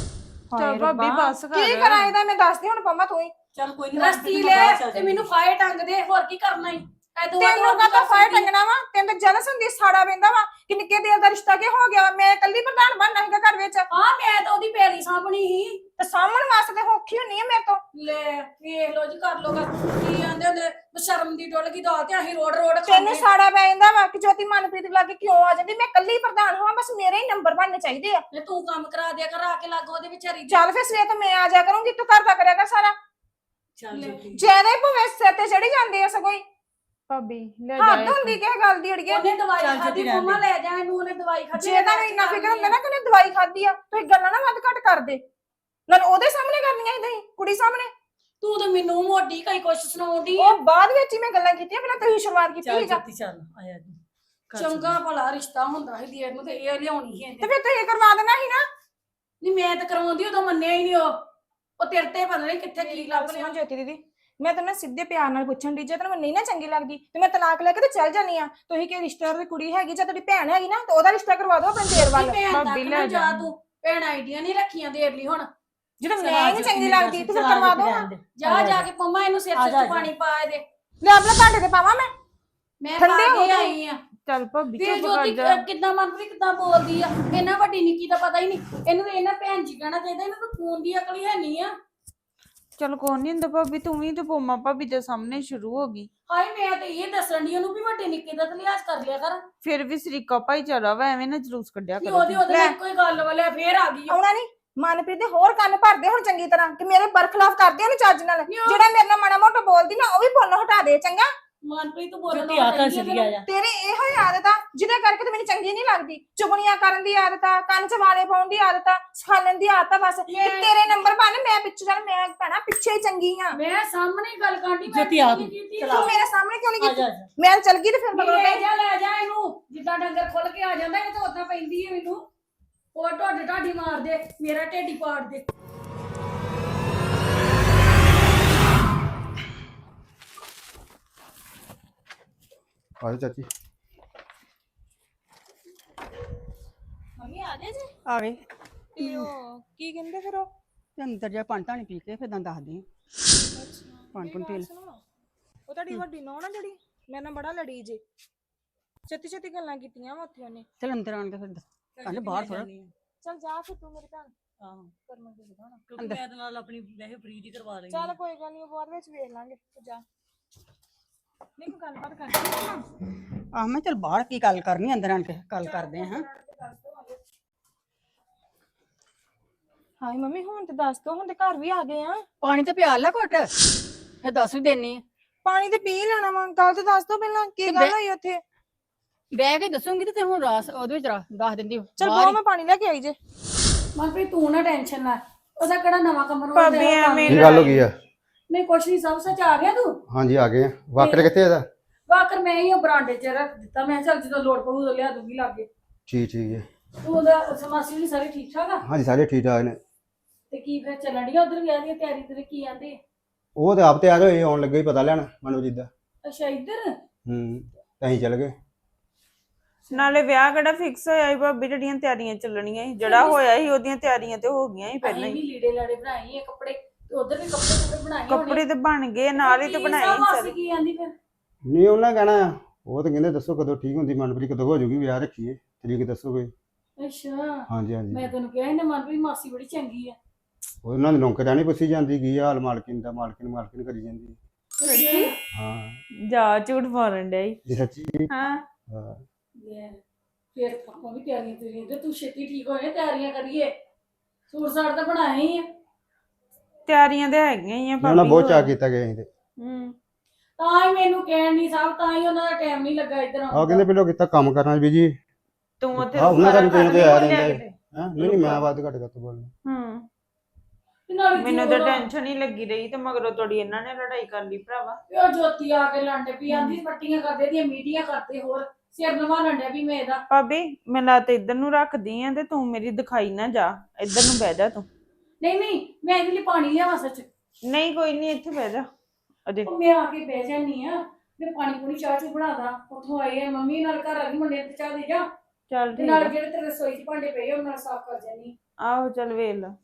Speaker 2: ਚੱਲ ਭਾਬੀ ਬਸ ਕਰ।
Speaker 4: ਕੀ ਕਰਾਂ ਇਹਦਾ, ਮੈਂ ਦੱਸਦੀ ਹੁਣ ਪੰਮਾ ਤੂੰ ਹੀ।
Speaker 3: ਚੱਲ ਕੋਈ ਨਹੀਂ,
Speaker 1: ਰਸਤੀ ਲੈ ਤੇ ਮੈਨੂੰ ਫਾਇਰ ਟੰਗ ਦੇ, ਹੋਰ ਕੀ ਕਰਨਾ ਈ।
Speaker 4: ਤੈਨੂੰ ਕਾਹਦਾ ਫਾਇਰ ਟੰਗਣਾ ਵਾ, ਤੈਨੂੰ ਤਾਂ ਜਲਸ ਹੁੰਦੀ, ਸਾੜਾ ਪੈਂਦਾ ਵਾ ਕਿ ਨਿੱਕੇ ਦੇਰ ਦਾ ਰਿਸ਼ਤਾ ਕੀ ਹੋ ਗਿਆ। ਮੈਂ ਇਕੱਲੀ ਪ੍ਰਧਾਨ ਬਣਨਾ ਸੀਗਾ ਘਰ ਵਿੱਚ,
Speaker 1: ਹਾਂ ਮੈਂ ਤਾਂ ਉਹਦੀ ਪੈਲੀ ਸਾਂਭਣੀ ਸੀ।
Speaker 4: ਤੇ ਸਾਹਮਣ ਵਾਸਤੇ ਔਖੀ ਹੁੰਨੀ ਆ ਮੇਰੇ ਤੋਂ।
Speaker 1: ਲੈ ਵੇਖ ਲੋ ਜੀ, ਕਰ ਲੋਗਾ ਕੀ ਆਂਦੇ ਹੁੰਦੇ, ਸ਼ਰਮ ਦੀ ਡੁੱਲ ਗਈ ਦਾਲ ਤੇ ਅਸੀਂ ਰੋੜ ਰੋੜ
Speaker 4: ਤੈਨੂੰ
Speaker 1: ਖਾਂਦੇ।
Speaker 4: ਸਾੜਾ ਪੈ ਜਾਂਦਾ ਵਾ ਕਿ ਜੋਤੀ ਮਨਪ੍ਰੀਤ ਲਾਗੇ ਕਿਉਂ ਆ ਜਾਂਦੀ। ਮੈਂ ਇਕੱਲੀ ਪ੍ਰਧਾਨ ਹੋਵਾਂ, ਬਸ ਮੇਰੇ ਹੀ ਨੰਬਰ ਬਣਨੇ ਚਾਹੀਦੇ ਆ।
Speaker 1: ਤੇ ਤੂੰ ਕੰਮ ਕਰਾ ਦਿਆ ਕਰ ਆ ਕੇ ਲੱਗ ਉਹਦੇ ਵਿਚਾਰੀ ਦੇ।
Speaker 4: ਚੱਲ ਫਿਰ ਸਵੇਰ ਤੋਂ ਮੈਂ ਆ ਜਾ ਕਰੂੰਗੀ, ਤੂੰ ਘਰ ਦਾ ਕਰਿਆ ਕਰ ਸਾਰਾ।
Speaker 3: ਚੱਲ ਜੋਤੀ,
Speaker 4: ਜਿਆਦਾ ਹੀ ਭਵੇਂ ਸਿਰ ਤੇ ਚੜੀ ਜਾਂਦੇ ਆ ਸਗੋਂ ਹੀ।
Speaker 2: ਭਾਬੀ ਲੈ
Speaker 4: ਹੱਦ ਹੁੰਦੀ ਕਿਸੇ ਗੱਲ ਦੀ ਅੜੀਏ।
Speaker 1: ਉਹਨੇ ਦਵਾਈ
Speaker 3: ਚੱਲ
Speaker 1: ਖਾਦੀ,
Speaker 3: ਜੋਤੀ ਰਹਿਣ
Speaker 1: ਮੰਮਾ ਲੈ ਜਾ ਇਹਨੂੰ, ਉਹਨੇ ਦਵਾਈ ਖਾਦੀ।
Speaker 4: ਜੇ ਤੁਹਾਨੂੰ ਇੰਨਾ ਫਿਕਰ ਹੁੰਦਾ ਨਾ ਕਿ ਉਹਨੇ ਦਵਾਈ ਖਾਦੀ ਆ, ਤੁਸੀਂ ਗੱਲਾਂ ਨਾ ਵੱਧ ਘੱਟ ਕਰਦੇ। ਨਾਲ ਉਹਦੇ ਸਾਹਮਣੇ ਕਰਨੀਆਂ ਇਦਾਂ ਹੀ, ਕੁੜੀ ਸਾਹਮਣੇ।
Speaker 1: ਤੂੰ ਤਾਂ ਮੈਨੂੰ ਮੋਟੀ ਕਈ ਕੁਛ ਸੁਣਾਉਂਦੀ ਆ।
Speaker 4: ਉਹ ਬਾਅਦ ਵਿੱਚ ਹੀ ਮੈਂ ਗੱਲਾਂ ਕੀਤੀਆਂ, ਪਹਿਲਾਂ ਤੁਸੀਂ ਸ਼ੁਰੂਆਤ ਕੀਤੀ
Speaker 3: ਚੱਲ
Speaker 4: ਸੀਗਾ।
Speaker 3: ਜੋਤੀ, ਚੱਲ ਆਇਆ ਤੂੰ ਘਰ
Speaker 1: ਚੰਗਾ ਭਲਾ ਰਿਸ਼ਤਾ ਹੁੰਦਾ ਸੀ ਦੇਰ ਨੂੰ, ਤੇ ਇਹ ਲਿਆਉਣੀ ਸੀ
Speaker 4: ਤੇ
Speaker 1: ਇਹਨੇ।
Speaker 4: ਫਿਰ ਤੁਸੀਂ ਕਰਵਾ ਦੇਣਾ ਸੀ ਨਾ।
Speaker 1: ਨਹੀਂ ਮੈਂ ਤਾਂ ਕਰਵਾਉਂਦੀ, ਉਦੋਂ ਮੰਨਿਆ ਹੀ ਨਹੀਂ ਉਹ ਤੇਰੇ ਤੇ ਪਤਾ ਨਹੀਂ ਕਿੱਥੇ ਕੀ ਲੱਭ ਲਿਆ।
Speaker 4: ਸੁਣੋ ਜੋਤੀ ਦੀਦੀ, ਮੈਂ ਤੈਨੂੰ ਸਿੱਧੇ ਪਿਆਰ ਨਾਲ ਪੁੱਛਣ ਦੀ, ਜੇ ਤੈਨੂੰ ਨਹੀਂ ਨਾ ਚੰਗੀ ਲੱਗਦੀ ਤੇ ਮੈਂ ਤਲਾਕ ਲੈ ਕੇ ਤੇ ਚੱਲ ਜਾਨੀ ਆ। ਤੁਸੀਂ ਕਿ ਰਿਸ਼ਤੇਦਾਰ ਦੀ ਕੁੜੀ ਹੈਗੀ, ਜਾਂ ਤੁਹਾਡੀ ਭੈਣ ਹੈਗੀ ਨਾ, ਤੇ ਉਹਦਾ ਰਿਸ਼ਤਾ ਕਰਵਾ ਦਿਓ ਆਪਣੇ ਦੇਰ ਵੱਲ।
Speaker 1: ਭੈਣ ਤੱਕ
Speaker 2: ਭਾਬੀ
Speaker 1: ਨਾ
Speaker 2: ਲੈ
Speaker 1: ਜਾ
Speaker 2: ਜਾ।
Speaker 1: ਤੂੰ, ਭੈਣ ਆਈਡੀਆਂ ਨਹੀਂ ਰੱਖੀਆਂ ਦੇਰ ਲਈ ਹੁਣ।
Speaker 4: ਜਦੋਂ
Speaker 3: ਚੱਲ
Speaker 4: ਮੈਂ
Speaker 3: ਆ
Speaker 4: ਹੀ ਨਹੀਂ
Speaker 3: ਜੋਤੀ,
Speaker 4: ਚੰਗੀ
Speaker 3: ਮੇਰੀ
Speaker 4: ਲੱਗਦੀ
Speaker 3: ਗੱਲ
Speaker 4: ਤੇ ਫਿਰ
Speaker 3: ਸੁਣ,
Speaker 4: ਕਰਵਾ
Speaker 3: ਚੱਲ
Speaker 4: ਦਿਓ।
Speaker 3: ਰਹਿਣ ਦੇ।
Speaker 1: ਜਾ ਜਾ ਕੇ ਪੰਮਾ ਇਹਨੂੰ ਸਿਰ
Speaker 3: ਆ ਜਾ,
Speaker 1: ਚ ਪਾਣੀ ਪਾ ਦੇ।
Speaker 4: ਲੈ ਆਪਣੇ ਭਾਂਡੇ ਤੇ ਪਾਵਾਂ ਮੈਂ।
Speaker 1: ਮੈਂ
Speaker 4: ਠੰਡੇ
Speaker 1: ਪਾ
Speaker 4: ਹੋ
Speaker 1: ਕੇ
Speaker 4: ਗਏ।
Speaker 1: ਆਈ ਆ।
Speaker 2: ਚੱਲ ਭਾਬੀ
Speaker 1: ਤੇ
Speaker 2: ਚੁੱਪ ਕਰ
Speaker 1: ਜੋਤੀ
Speaker 2: ਜਾ।
Speaker 1: ਕਿੱਦਾਂ ਮਨਪ੍ਰੀਤ ਕਿੱਦਾਂ ਬੋਲਦੀ ਆ, ਇਹਨਾਂ ਵੱਡੀ ਨਿੱਕੀ ਦਾ ਪਤਾ ਹੀ ਨਹੀਂ। ਇਹਨੂੰ ਤਾਂ ਇਹਨਾਂ ਭੈਣ ਜੀ ਕਹਿਣਾ ਚਾਹੀਦਾ, ਇਹਨੂੰ ਤਾਂ ਫੋਨ ਦੀ ਅਕਲ ਹੀ ਹੈ ਨਹੀਂ ਆ।
Speaker 2: ਚੱਲ ਕੋਈ ਨਹੀਂ ਹੁੰਦਾ ਭਾਬੀ, ਤੂੰ ਵੀ ਤੇ ਪੋਮਾ ਭਾਬੀ ਦੇ ਸਾਹਮਣੇ ਸ਼ੁਰੂ ਹੋ ਗਈ।
Speaker 1: ਹਾਏ ਮੈਂ ਤੇ ਇਹ ਦੱਸਣ ਦੀ ਉਹਨੂੰ ਵੀ ਵੱਡੇ ਨਿੱਕੇ ਦਾ ਤਾਂ ਲਿਹਾਜ਼ ਕਰ ਲਿਆ ਕਰ।
Speaker 2: ਫਿਰ ਵੀ ਸਰੀਕਾ ਭਾਈਚਾਰਾ ਵਾ, ਐਵੇਂ ਨਾ ਜਲੂਸ ਕੱਢਿਆ
Speaker 1: ਕਿ
Speaker 2: ਕਰੋ
Speaker 1: ਉਹਦੇ
Speaker 2: ਤੁਸੀਂ।
Speaker 1: ਉਹਦੇ ਨਾਲ ਕੋਈ ਗੱਲ ਵਾਲਿਆ ਫੇਰ ਆ ਗਈ ਉਹ।
Speaker 4: ਆਉਣਾ ਨਹੀਂ। ਮਨਪ੍ਰੀਤ ਦੇ ਹੋਰ ਕੰਨ ਭਰਦੇ ਹੁਣ ਚੰਗੀ ਤਰ੍ਹਾਂ ਕਿ ਮੇਰੇ ਬਰਖਲਾਫ ਕਰਦੇ ਉਹਨੂੰ ਚੱਜ ਨਾਲ। ਜਿਹੜਾ ਮੇਰੇ ਨਾਲ ਮਾੜਾ ਮੋਟਾ ਬੋਲਦੀ ਨਾ, ਉਹ ਵੀ ਬੋਲਣੋਂ ਹਟਾ ਦੇ ਚੰਗਾ।
Speaker 1: ਮਨਪ੍ਰੀਤ ਤੂੰ ਬੋਲਣ
Speaker 3: ਜੋਤੀ ਆ ਕਰ ਚਲੀ ਆ ਜਾ।
Speaker 4: ਤੇਰੀ ਇਹੋ ਹੀ ਆਦਤ ਆ ਜਿਹਦੇ ਕਰਕੇ ਤੇ ਮੈਨੂੰ ਚੰਗੀ ਨਹੀਂ ਲੱਗਦੀ। ਚੁਗਲੀਆਂ ਕਰਨ ਦੀ ਆਦਤ ਆ, ਕੰਨ 'ਚ ਵਾਲੇ ਪਾਉਣ ਦੀ ਆਦਤ ਆ, ਸਿਖਾਲਣ ਦੀ ਆਦਤ ਆ ਬਸ। ਤੇ ਤੇਰੇ ਨੰਬਰ ਬਣ, ਮੈਂ ਪਿੱਛੇ ਚੱਲ, ਮੈਂ ਭੈਣਾ ਪਿੱਛੇ ਹੀ ਚੰਗੀ ਆ।
Speaker 1: ਮੈਂ ਸਾਹਮਣੇ ਗੱਲ ਕਰਦੀ
Speaker 3: ਜੋਤੀ ਆ ਤੂੰ,
Speaker 4: ਤੂੰ ਮੇਰੇ ਸਾਹਮਣੇ ਕਿਉਂ ਨਹੀਂ
Speaker 3: ਆ
Speaker 4: ਕੀਤੀ?
Speaker 3: ਜਾ, ਆ ਜਾ।
Speaker 4: ਮੈਂ ਚੱਲ ਗਈ ਤੇ ਫਿਰ ਮਗਰੋਂ
Speaker 1: ਲੈ
Speaker 4: ਮੈਂ
Speaker 1: ਜਾ ਲੈ ਜਾ ਇਹਨੂੰ, ਜਿੱਦਾਂ ਡੰਗਰ ਖੁੱਲ ਕੇ ਆ ਜਾਂਦਾ ਇਹ ਤਾਂ ਉਦਾਂ ਪੈਂਦੀ ਹੈ ਮੈਨੂੰ। ਉਹ ਢੋਡੇ ਢਾਡੀ ਮਾਰ ਦੇ, ਮੇਰਾ ਢੇਡੀ ਪਾੜ ਦੇ।
Speaker 5: ਆਜੋ ਚਾਚੀ।
Speaker 4: ਮੰਮੀ ਆ ਗਏ ਜੀ।
Speaker 6: ਆ ਗਏ
Speaker 4: ਤੇ ਉਹ ਕੀ ਕਹਿੰਦੇ ਫਿਰ ਉਹ?
Speaker 6: ਤੇ ਅੰਦਰ ਜਾ ਪਾਣੀ ਧਾਣੀ ਪੀ ਕੇ ਫਿਰ ਤਾਂ ਦੱਸਦੀ ਆਂ। ਪਾਣੀ ਪੂਣੀ ਪੀ ਲੈ।
Speaker 4: ਸੁਣੋ, ਉਹ ਤੁਹਾਡੀ ਵੱਡੀ ਨੌਂ ਨਾ ਜਿਹੜੀ ਮੇਰੇ ਨਾਲ ਬੜਾ ਲੜੀ ਜੇ, ਛੇਤੀ ਛੇਤੀ ਗੱਲਾਂ ਕੀਤੀਆਂ ਵਾ ਉੱਥੇ ਉਹਨੇ।
Speaker 6: ਚਲ ਅੰਦਰ ਆਣ ਕੇ ਫਿਰ ਕਹਿੰਦੇ ਬਾਹਰ ਥੋੜਾ
Speaker 4: ਚੱਲ ਜਾ ਫਿਰ ਤੂੰ ਮੇਰੀ ਭੈਣ
Speaker 3: ਆਹੋ,
Speaker 4: ਕਰਮਾਂ ਦੀ ਦਿਖਾਣਾ।
Speaker 3: ਕਿਉਂਕਿ ਮੈਂ ਇਹਦੇ ਨਾਲ ਆਪਣੀ ਵੈਸੇ ਫਰੀ ਦੀ ਕਰਵਾ ਲਈ
Speaker 4: ਚੱਲ ਕੋਈ ਗੱਲ ਨਹੀਂ, ਬਾਅਦ ਵਿੱਚ ਵੇਖ ਲਾਂਗੇ, ਤੂੰ ਜਾ। ਨਹੀਂ ਕੋਈ ਗੱਲਬਾਤ ਕਰਨੀ
Speaker 6: ਆਹ ਮੈਂ ਚਲ ਬਾਹਰ ਕੀ ਗੱਲ ਕਰਨੀ, ਅੰਦਰ ਆਣ ਕੇ ਗੱਲ ਕਰਦੇ ਆਂ। ਹਾਂ
Speaker 4: ਹਾਏ ਮੰਮੀ ਹੁਣ ਤੇ ਦੱਸ ਦੋ, ਹੁਣ ਤੇ ਘਰ ਵੀ ਆ ਗਏ ਆ।
Speaker 6: ਪਾਣੀ ਤੇ ਪਿਆਲ ਲੈ ਘੁੱਟ, ਫਿਰ ਦੱਸ ਵੀ ਦੇਣੀ।
Speaker 4: ਪਾਣੀ ਤੇ ਪੀ ਲੈਣਾ ਵਾ, ਗੱਲ ਤੇ ਦੱਸ ਦੋ ਪਹਿਲਾਂ ਕੀ ਗੱਲ ਹੋਈ ਉੱਥੇ।
Speaker 6: ਬਹਿ ਕੇ ਦੱਸੂਗੀ ਤੇ ਹੁਣ ਰਾਸ ਉਹਦੇ ਵਿੱਚ ਦੱਸ ਦਿੰਦੀ।
Speaker 4: ਚਲ ਬਹੁਤ ਮੈਂ ਪਾਣੀ ਲੈ ਕੇ ਆਈ ਜੇ।
Speaker 1: ਮਨਪ੍ਰੀਤ ਤੂੰ ਨਾ ਟੈਨਸ਼ਨ ਲੈ, ਉਹਦਾ ਕਿਹੜਾ ਨਵਾਂ ਕਮਰਾ
Speaker 2: ਭਾਬੀ ਐਵੇਂ
Speaker 5: ਕੀ ਗੱਲ ਹੋ ਗਈ ਆ?
Speaker 1: ਨਹੀਂ ਕੁਛ ਨਹੀਂ, ਸਭ ਸੱਚ ਆ ਗਿਆ ਤੂੰ।
Speaker 5: ਹਾਂਜੀ ਆ ਗਏ ਆ। ਵਾਕਰ ਕਿੱਥੇ ਇਹਦਾ?
Speaker 1: ਵਾਕਰ ਮੈਂ ਹੀ ਉਹ ਬਰਾਂਡੇ 'ਚ ਰੱਖ ਦਿੱਤਾ, ਮੈਂ ਕਿਹਾ ਚੱਲ ਜਦੋਂ ਲੋੜ ਪਊ ਉਦੋਂ ਲਿਆ ਦੂੰਗੀ ਲਾਗੇ।
Speaker 5: ਠੀਕ ਹੈ।
Speaker 1: ਤੂੰ ਉਹਦਾ ਸਮਾਸੀ ਵੀ ਸਾਰੇ ਠੀਕ ਠਾਕ ਆ?
Speaker 5: ਹਾਂਜੀ ਸਾਰੇ ਠੀਕ ਠਾਕ ਨੇ।
Speaker 1: ਤੇ ਕੀ ਫਿਰ ਚੱਲਣ ਡਈ ਉਧਰ ਵਿਆਹ ਦੀ ਤਿਆਰੀ ਤੇ ਕੀ ਆਂਦੇ?
Speaker 5: ਉਹ ਤੇ ਆਪ ਤਿਆਰ ਹੋਏ, ਆਉਣ ਲੱਗੇ ਹੀ ਪਤਾ ਲੈਣ ਮਨੋਜੀਤ ਦਾ।
Speaker 1: ਅੱਛਾ ਇੱਧਰ।
Speaker 5: ਤੇ ਅਸੀਂ ਚੱਲ ਗਏ।
Speaker 2: ਨਾਲੇ ਵਿਆਹ ਕਿਹੜਾ ਫਿਕਸ ਹੋਇਆ ਸੀ ਭਾਬੀ, ਜਿਹੜੀਆਂ ਤਿਆਰੀਆਂ ਚੱਲਣੀਆਂ ਸੀ, ਜਿਹੜਾ ਹੋਇਆ ਸੀ ਉਹਦੀਆਂ ਤਿਆਰੀਆਂ ਤੇ ਹੋ ਗਈਆਂ ਸੀ ਪਹਿਲਾਂ
Speaker 1: ਅਸੀਂ
Speaker 2: ਹੀ।
Speaker 1: ਵੀ ਲੀੜੇ ਲਾੜੇ ਬਣਾਏ ਆ, ਕੱਪੜੇ ਤੇ ਉਧਰ ਵੀ ਕੱਪੜੇ ਬਣਾਏ ਹੋਣੇ।
Speaker 2: ਕੱਪੜੇ ਤੇ ਬਣ ਗਏ, ਨਾਲ ਹੀ ਤੇ ਬਣਾਏ ਸੀ
Speaker 1: ਮਾਸੀ
Speaker 2: ਸਾਰੇ।
Speaker 1: ਕੀ ਆਂਦੀ ਫਿਰ?
Speaker 5: ਨਹੀਂ ਉਹਨਾਂ ਕਹਿਣਾ ਆ, ਉਹ ਤਾਂ ਕਹਿੰਦੇ ਦੱਸੋ ਕਦੋਂ ਠੀਕ ਹੁੰਦੀ ਮਨਪ੍ਰੀਤ, ਕਦੋਂ ਹੋ ਜਾਊਗੀ ਵਿਆਹ ਰੱਖੀਏ ਤਰੀਕ ਦੱਸੋ ਕੋਈ।
Speaker 1: ਅੱਛਾ
Speaker 5: ਹਾਂਜੀ ਹਾਂਜੀ।
Speaker 1: ਮੈਂ ਤੈਨੂੰ ਕਿਹਾ ਇਹਨੇ ਮਨਪ੍ਰੀਤ ਮਾਸੀ ਬੜੀ ਚੰਗੀ ਆ।
Speaker 5: ਉਹਨਾਂ ਦੀ ਨੌਕਰਾਨੀ ਪੁੱਛੀ ਜਾਂਦੀ ਕੀ ਹਾਲ ਮਾਲਕਿਨ ਦਾ, ਮਾਲਕਿਨ ਕਰੀ ਜਾਂਦੀ। ਹਾਂ
Speaker 2: ਜਾ ਝੂਠ ਮਾਰਨ ਡਿਆ ਈ।
Speaker 5: ਇਹ ਸੱਚੀ।
Speaker 2: ਹਾਂ
Speaker 5: ਹਾਂ।
Speaker 1: ਲੈ, ਫਿਰ ਆਪਾਂ ਵੀ ਤਿਆਰੀਆਂ ਕਰੀਏ ਤੇ ਤੂੰ ਛੇਤੀ ਠੀਕ ਹੋਏ ਤਿਆਰੀਆਂ ਕਰੀਏ ਸੂਟ ਸਾਟ ਤਾਂ ਬਣਾਏ ਹੀ ਆ
Speaker 2: ਤਿਆਰੀਆਂ ਤੇ ਹੈਗੀਆਂ ਹੀ ਆ
Speaker 5: ਉਹਨਾਂ
Speaker 2: ਭਾਬੀ
Speaker 5: ਬਹੁਤ ਚਾਅ
Speaker 2: ਹੋਰ।
Speaker 5: ਕੀਤਾ ਗਿਆ ਸੀ ਤੇ
Speaker 2: ਹੂੰ
Speaker 1: ਤਾਂ ਹੀ ਮੈਨੂੰ ਕਹਿਣ ਨਹੀਂ ਸਾਹਿਬ ਤਾਂ ਹੀ ਉਹਨਾਂ ਦਾ ਟਾਈਮ ਨਹੀਂ ਲੱਗਾ ਇੱਧਰ
Speaker 5: ਆ ਕਹਿੰਦੇ ਪਹਿਲਾਂ ਕੀਤਾ ਕੰਮ ਕਰਨਾ ਵੀ ਜੀ
Speaker 2: ਤੂੰ ਉੱਥੇ
Speaker 5: ਆਹ ਉਹਨਾਂ ਦਾ ਵੀ
Speaker 2: ਸਾਰਾ
Speaker 5: ਕੋਈ ਨਾ
Speaker 2: ਘਰ
Speaker 5: ਕੋਈ
Speaker 2: ਨੀ
Speaker 5: ਆ
Speaker 2: ਬੋਲਿਆ
Speaker 5: ਰਹਿੰਦਾ
Speaker 2: ਕਿਤੇ।
Speaker 5: ਹੈ ਨਹੀਂ ਮੈਂ ਬਾਤ ਘੱਟ ਕਰ ਬੋਲਣਾ
Speaker 2: ਹੂੰ
Speaker 1: ਤੇ ਨਾਲੇ
Speaker 2: ਮੈਨੂੰ
Speaker 1: ਜੋ
Speaker 2: ਤਾਂ ਟੈਨਸ਼ਨ ਹੀ ਲੱਗੀ ਰਹੀ ਤੇ ਮਗਰੋਂ ਤੁਹਾਡੀ ਇਹਨਾਂ ਨੇ ਲੜਾਈ ਕਰ ਲਈ ਭਰਾਵਾ।
Speaker 1: ਉਹ ਜੋਤੀ ਆ ਕੇ ਲੰਡੇ ਪਈ ਆਂਦੀ ਪੱਟੀਆਂ ਕਰਦੇ ਦੀਆਂ ਮੀਡੀਆਂ ਕਰਦੇ ਹੋਰ ਸਿਰ ਨਵਾ ਲੰਡਿਆ ਵੀ ਮੈਂ ਇਹਦਾ
Speaker 2: ਭਾਬੀ ਮੈਂ ਲੱਤ ਇੱਧਰ ਨੂੰ ਰੱਖਦੀ ਆ ਤੇ ਤੂੰ ਮੇਰੀ ਦਿਖਾਈ ਨਾ ਜਾ, ਇੱਧਰ ਨੂੰ ਬਹਿ ਜਾ ਤੂੰ।
Speaker 1: ਨਹੀਂ ਮੈਂ ਇਹਦੇ ਲਈ ਪਾਣੀ ਲਿਆਵਾਂ ਸੱਚ
Speaker 2: ਨਹੀਂ ਕੋਈ ਨਹੀਂ, ਇੱਥੇ ਬਹਿ ਜਾ ਅਜੇ।
Speaker 1: ਉਹ ਮੈਂ ਆ ਕੇ ਬਹਿ ਜਾਨੀ ਆ ਮੈਂ ਪਾਣੀ ਪੂਣੀ ਚਾਹ ਚੂ ਬਣਾਦਾ ਉੱਥੋਂ ਆਏ ਆ ਮੰਮੀ ਨਾਲ ਘਰ ਆ ਗਈ ਮੁੰਡੇ ਤੇ ਚਾਹ ਦੇ ਜਾ
Speaker 2: ਚੱਲ
Speaker 1: ਤੇ
Speaker 2: ਠੀਕ
Speaker 1: ਨਾਲ
Speaker 2: ਆ।
Speaker 1: ਜਿਹੜੇ ਤੇਰੇ ਰਸੋਈ 'ਚ ਭਾਂਡੇ ਪਏ ਉਹਨਾਂ ਨਾਲ ਸਾਫ਼ ਕਰ ਜਾਨੀ
Speaker 2: ਆਹੋ ਚੱਲ ਵੇਖ ਲਾ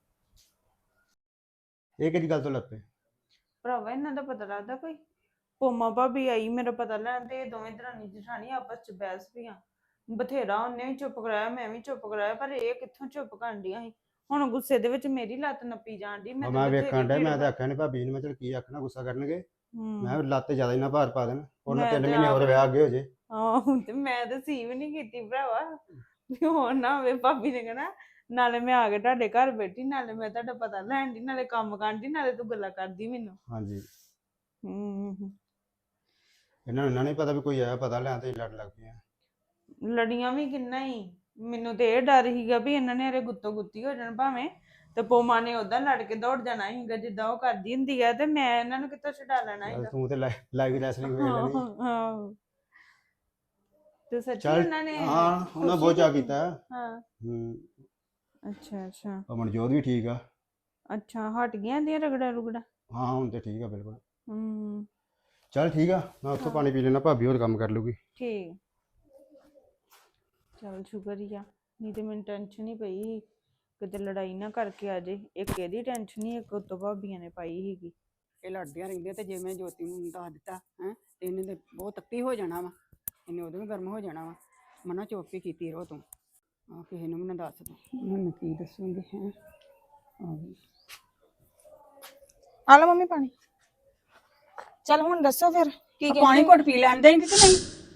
Speaker 5: ਇਹ ਕਿਹੜੀ ਗੱਲ ਤੋਂ ਲੱਗ ਪਏ
Speaker 2: ਭਰਾਵਾ, ਇਹਨਾਂ ਦਾ ਪਤਾ ਲੱਗਦਾ ਕੋਈ। ਪੋਮਾ ਭਾਬੀ ਆਈ ਮੇਰਾ ਪਤਾ ਲੈਣ ਤੇ ਇਹ ਦੋਵੇਂ ਦਰਾਣੀ ਜਠਾਣੀ ਆਪਸ ਚ ਬਹਿਸ ਪਈਆਂ। ਬਥੇਰਾ ਉਹਨੇ ਵੀ ਚੁੱਪ ਕਰਾਇਆ ਮੈਂ ਵੀ ਚੁੱਪ ਕਰਾਇਆ ਪਰ ਇਹ ਕਿੱਥੋਂ ਚੁੱਪ ਕਰਨ ਡੀਆਂ ਸੀ। ਹੁਣ ਗੁੱਸੇ ਦੇ ਵਿੱਚ ਮੇਰੀ ਲੱਤ ਨੱਪੀ ਜਾਣ ਦੀ।
Speaker 5: ਮੈਂ ਵੇਖਣ ਡਿਆ ਮੈਂ ਤਾਂ ਆਖਿਆ ਨਹੀਂ ਭਾਬੀ ਨੂੰ ਮੈਂ ਚਲ ਕੀ ਆਖਣਾ ਗੁੱਸਾ ਕਰਨਗੇ ਮੈਂ ਕਿਹਾ ਲੱਤ ਜ਼ਿਆਦਾ ਹੀ ਨਾ ਭਾਰ ਪਾ ਦੇਣ ਉਹਨਾਂ
Speaker 2: ਮੈਂ
Speaker 5: 3
Speaker 2: ਤੇ
Speaker 5: ਮਹੀਨੇ ਹੋਰ
Speaker 2: ਆਪ-
Speaker 5: ਵਿਆਹ ਅੱਗੇ ਹੋ ਜੇ
Speaker 2: ਆਹੋ ਤੇ ਮੈਂ ਤਾਂ ਸੀ ਵੀ ਨਹੀਂ ਕੀਤੀ ਭਰਾਵਾ ਵੀ ਹੋਰ ਨਾ ਹੋਵੇ ਭਾਬੀ ਨੇ ਕਹਿਣਾ ਨਾਲੇ ਮੈਂ ਆ ਕੇ ਤੁਹਾਡੇ ਘਰ ਬੈਠੀ ਨਾਲੇ ਮੈਂ ਤੁਹਾਡਾ ਪਤਾ ਲੈਣ ਦੀ ਨਾਲੇ ਕੰਮ ਕਰਨ ਦੀ ਨਾਲੇ ਤੂੰ ਗੱਲਾਂ ਕਰਦੀ ਮੈਨੂੰ।
Speaker 5: ਹਾਂਜੀ
Speaker 2: ਹੂੰ
Speaker 5: ਇਹਨਾਂ ਨੂੰ ਪਤਾ ਵੀ ਕੋਈ ਆਇਆ ਪਤਾ ਲੈਣ ਤੇ ਲੜ ਲੱਗ ਪਿਆ
Speaker 2: ਲੜੀਆਂ ਵੀ ਕਿੰਨਾ ਹੀ। ਮੈਨੂੰ ਤੇ ਇਹ ਡਰ ਸੀਗਾ ਵੀ ਇਹਨਾਂ ਨੇ ਹਰੇ ਗੁੱਤੋ ਗੁੱਤੀ ਹੋ ਜਾਣ ਭਾਵੇਂ ਤੇ ਪੋਮਾ ਨੇ ਉਦਾਂ ਲੜ ਕੇ ਦੌੜ ਜਾਣਾ ਸੀਗਾ ਜਿੱਦਾਂ ਉਹ ਕਰਦੀ ਹੁੰਦੀ ਆ ਤੇ ਮੈਂ ਇਹਨਾਂ ਨੂੰ ਕਿੱਥੋਂ ਛਡਾ ਲੈਣਾ
Speaker 5: ਚੱਲ
Speaker 2: ਸੀਗਾ।
Speaker 5: ਤੂੰ ਤੇ ਲਾਈਵ ਰੈਸਲਿੰਗ ਵੇਖ ਲੈਣੀ
Speaker 2: ਹਾਂ ਤੇ ਸੱਚੀ
Speaker 5: ਚੱਲ
Speaker 2: ਇਹਨਾਂ ਨੇ
Speaker 5: ਹਾਂ ਉਹਨਾਂ ਬਹੁਤ ਚਾਅ ਕੀਤਾ
Speaker 2: ਹਾਂ
Speaker 5: ਹੂੰ
Speaker 2: ਅੱਛਾ ਅੱਛਾ
Speaker 5: ਮਨਜੋਤ ਵੀ ਠੀਕ ਆ
Speaker 2: ਅੱਛਾ ਹਟ ਗਈਆਂ ਦੀਆਂ ਰਗੜਾ ਰੁਗੜਾ।
Speaker 5: ਹਾਂ ਹੁਣ ਤੇ ਠੀਕ ਆ ਬਿਲਕੁਲ
Speaker 2: ਹੂੰ
Speaker 5: ਚੱਲ ਠੀਕ ਆ ਮੈਂ ਉੱਥੋਂ ਪਾਣੀ ਪੀ ਲੈਣਾ ਭਾਬੀ ਹੋਰ ਕੰਮ ਕਰ ਲੂਗੀ
Speaker 2: ਠੀਕ ਚਲ ਸ਼ੁਕਰ ਹੀ ਆ ਨਹੀਂ ਤੇ ਮੈਨੂੰ ਟੈਨਸ਼ਨ ਹੀ ਪਈ ਸੀ ਕਿਤੇ ਲੜਾਈ ਨਾ ਕਰਕੇ ਆ ਜੇ। ਇੱਕ ਇਹਦੀ ਟੈਨਸ਼ਨ ਹੀ ਇੱਕ ਉੱਤੋਂ ਭਾਬੀਆਂ ਨੇ ਪਾਈ ਸੀਗੀ।
Speaker 6: ਇਹ ਲੜਦੀਆਂ ਰਹਿੰਦੀਆਂ ਤੇ ਜੇ ਮੈਂ ਜੋਤੀ ਨੂੰ ਦੱਸ ਦਿੱਤਾ ਹੈ ਤੇ ਇਹਨੇ ਤੇ ਬਹੁਤ ਤੱਤੀ ਹੋ ਜਾਣਾ ਵਾ ਇਹਨੇ ਉਦੋਂ ਵੀ ਗਰਮ ਹੋ ਜਾਣਾ ਵਾ ਮਨਾ ਚੁੱਪ ਹੀ ਕੀਤੀ ਰਹੋ ਤੂੰ ਆ ਕਿਸੇ ਨੂੰ ਵੀ ਨਾ ਦੱਸ ਤੂੰ ਮੈਨੂੰ ਕੀ ਦੱਸੂਗੀ ਹੈ
Speaker 4: ਆ ਲਓ ਮੰਮੀ ਪਾਣੀ। ਚੱਲ ਹੁਣ ਦੱਸੋ ਫਿਰ ਕੀ
Speaker 6: ਪਾਣੀ
Speaker 4: ਕਹਿੰਦੇ
Speaker 6: ਘੁੱਟ ਪੀ ਲੈਂਦੇ ਕਿ ਨਹੀਂ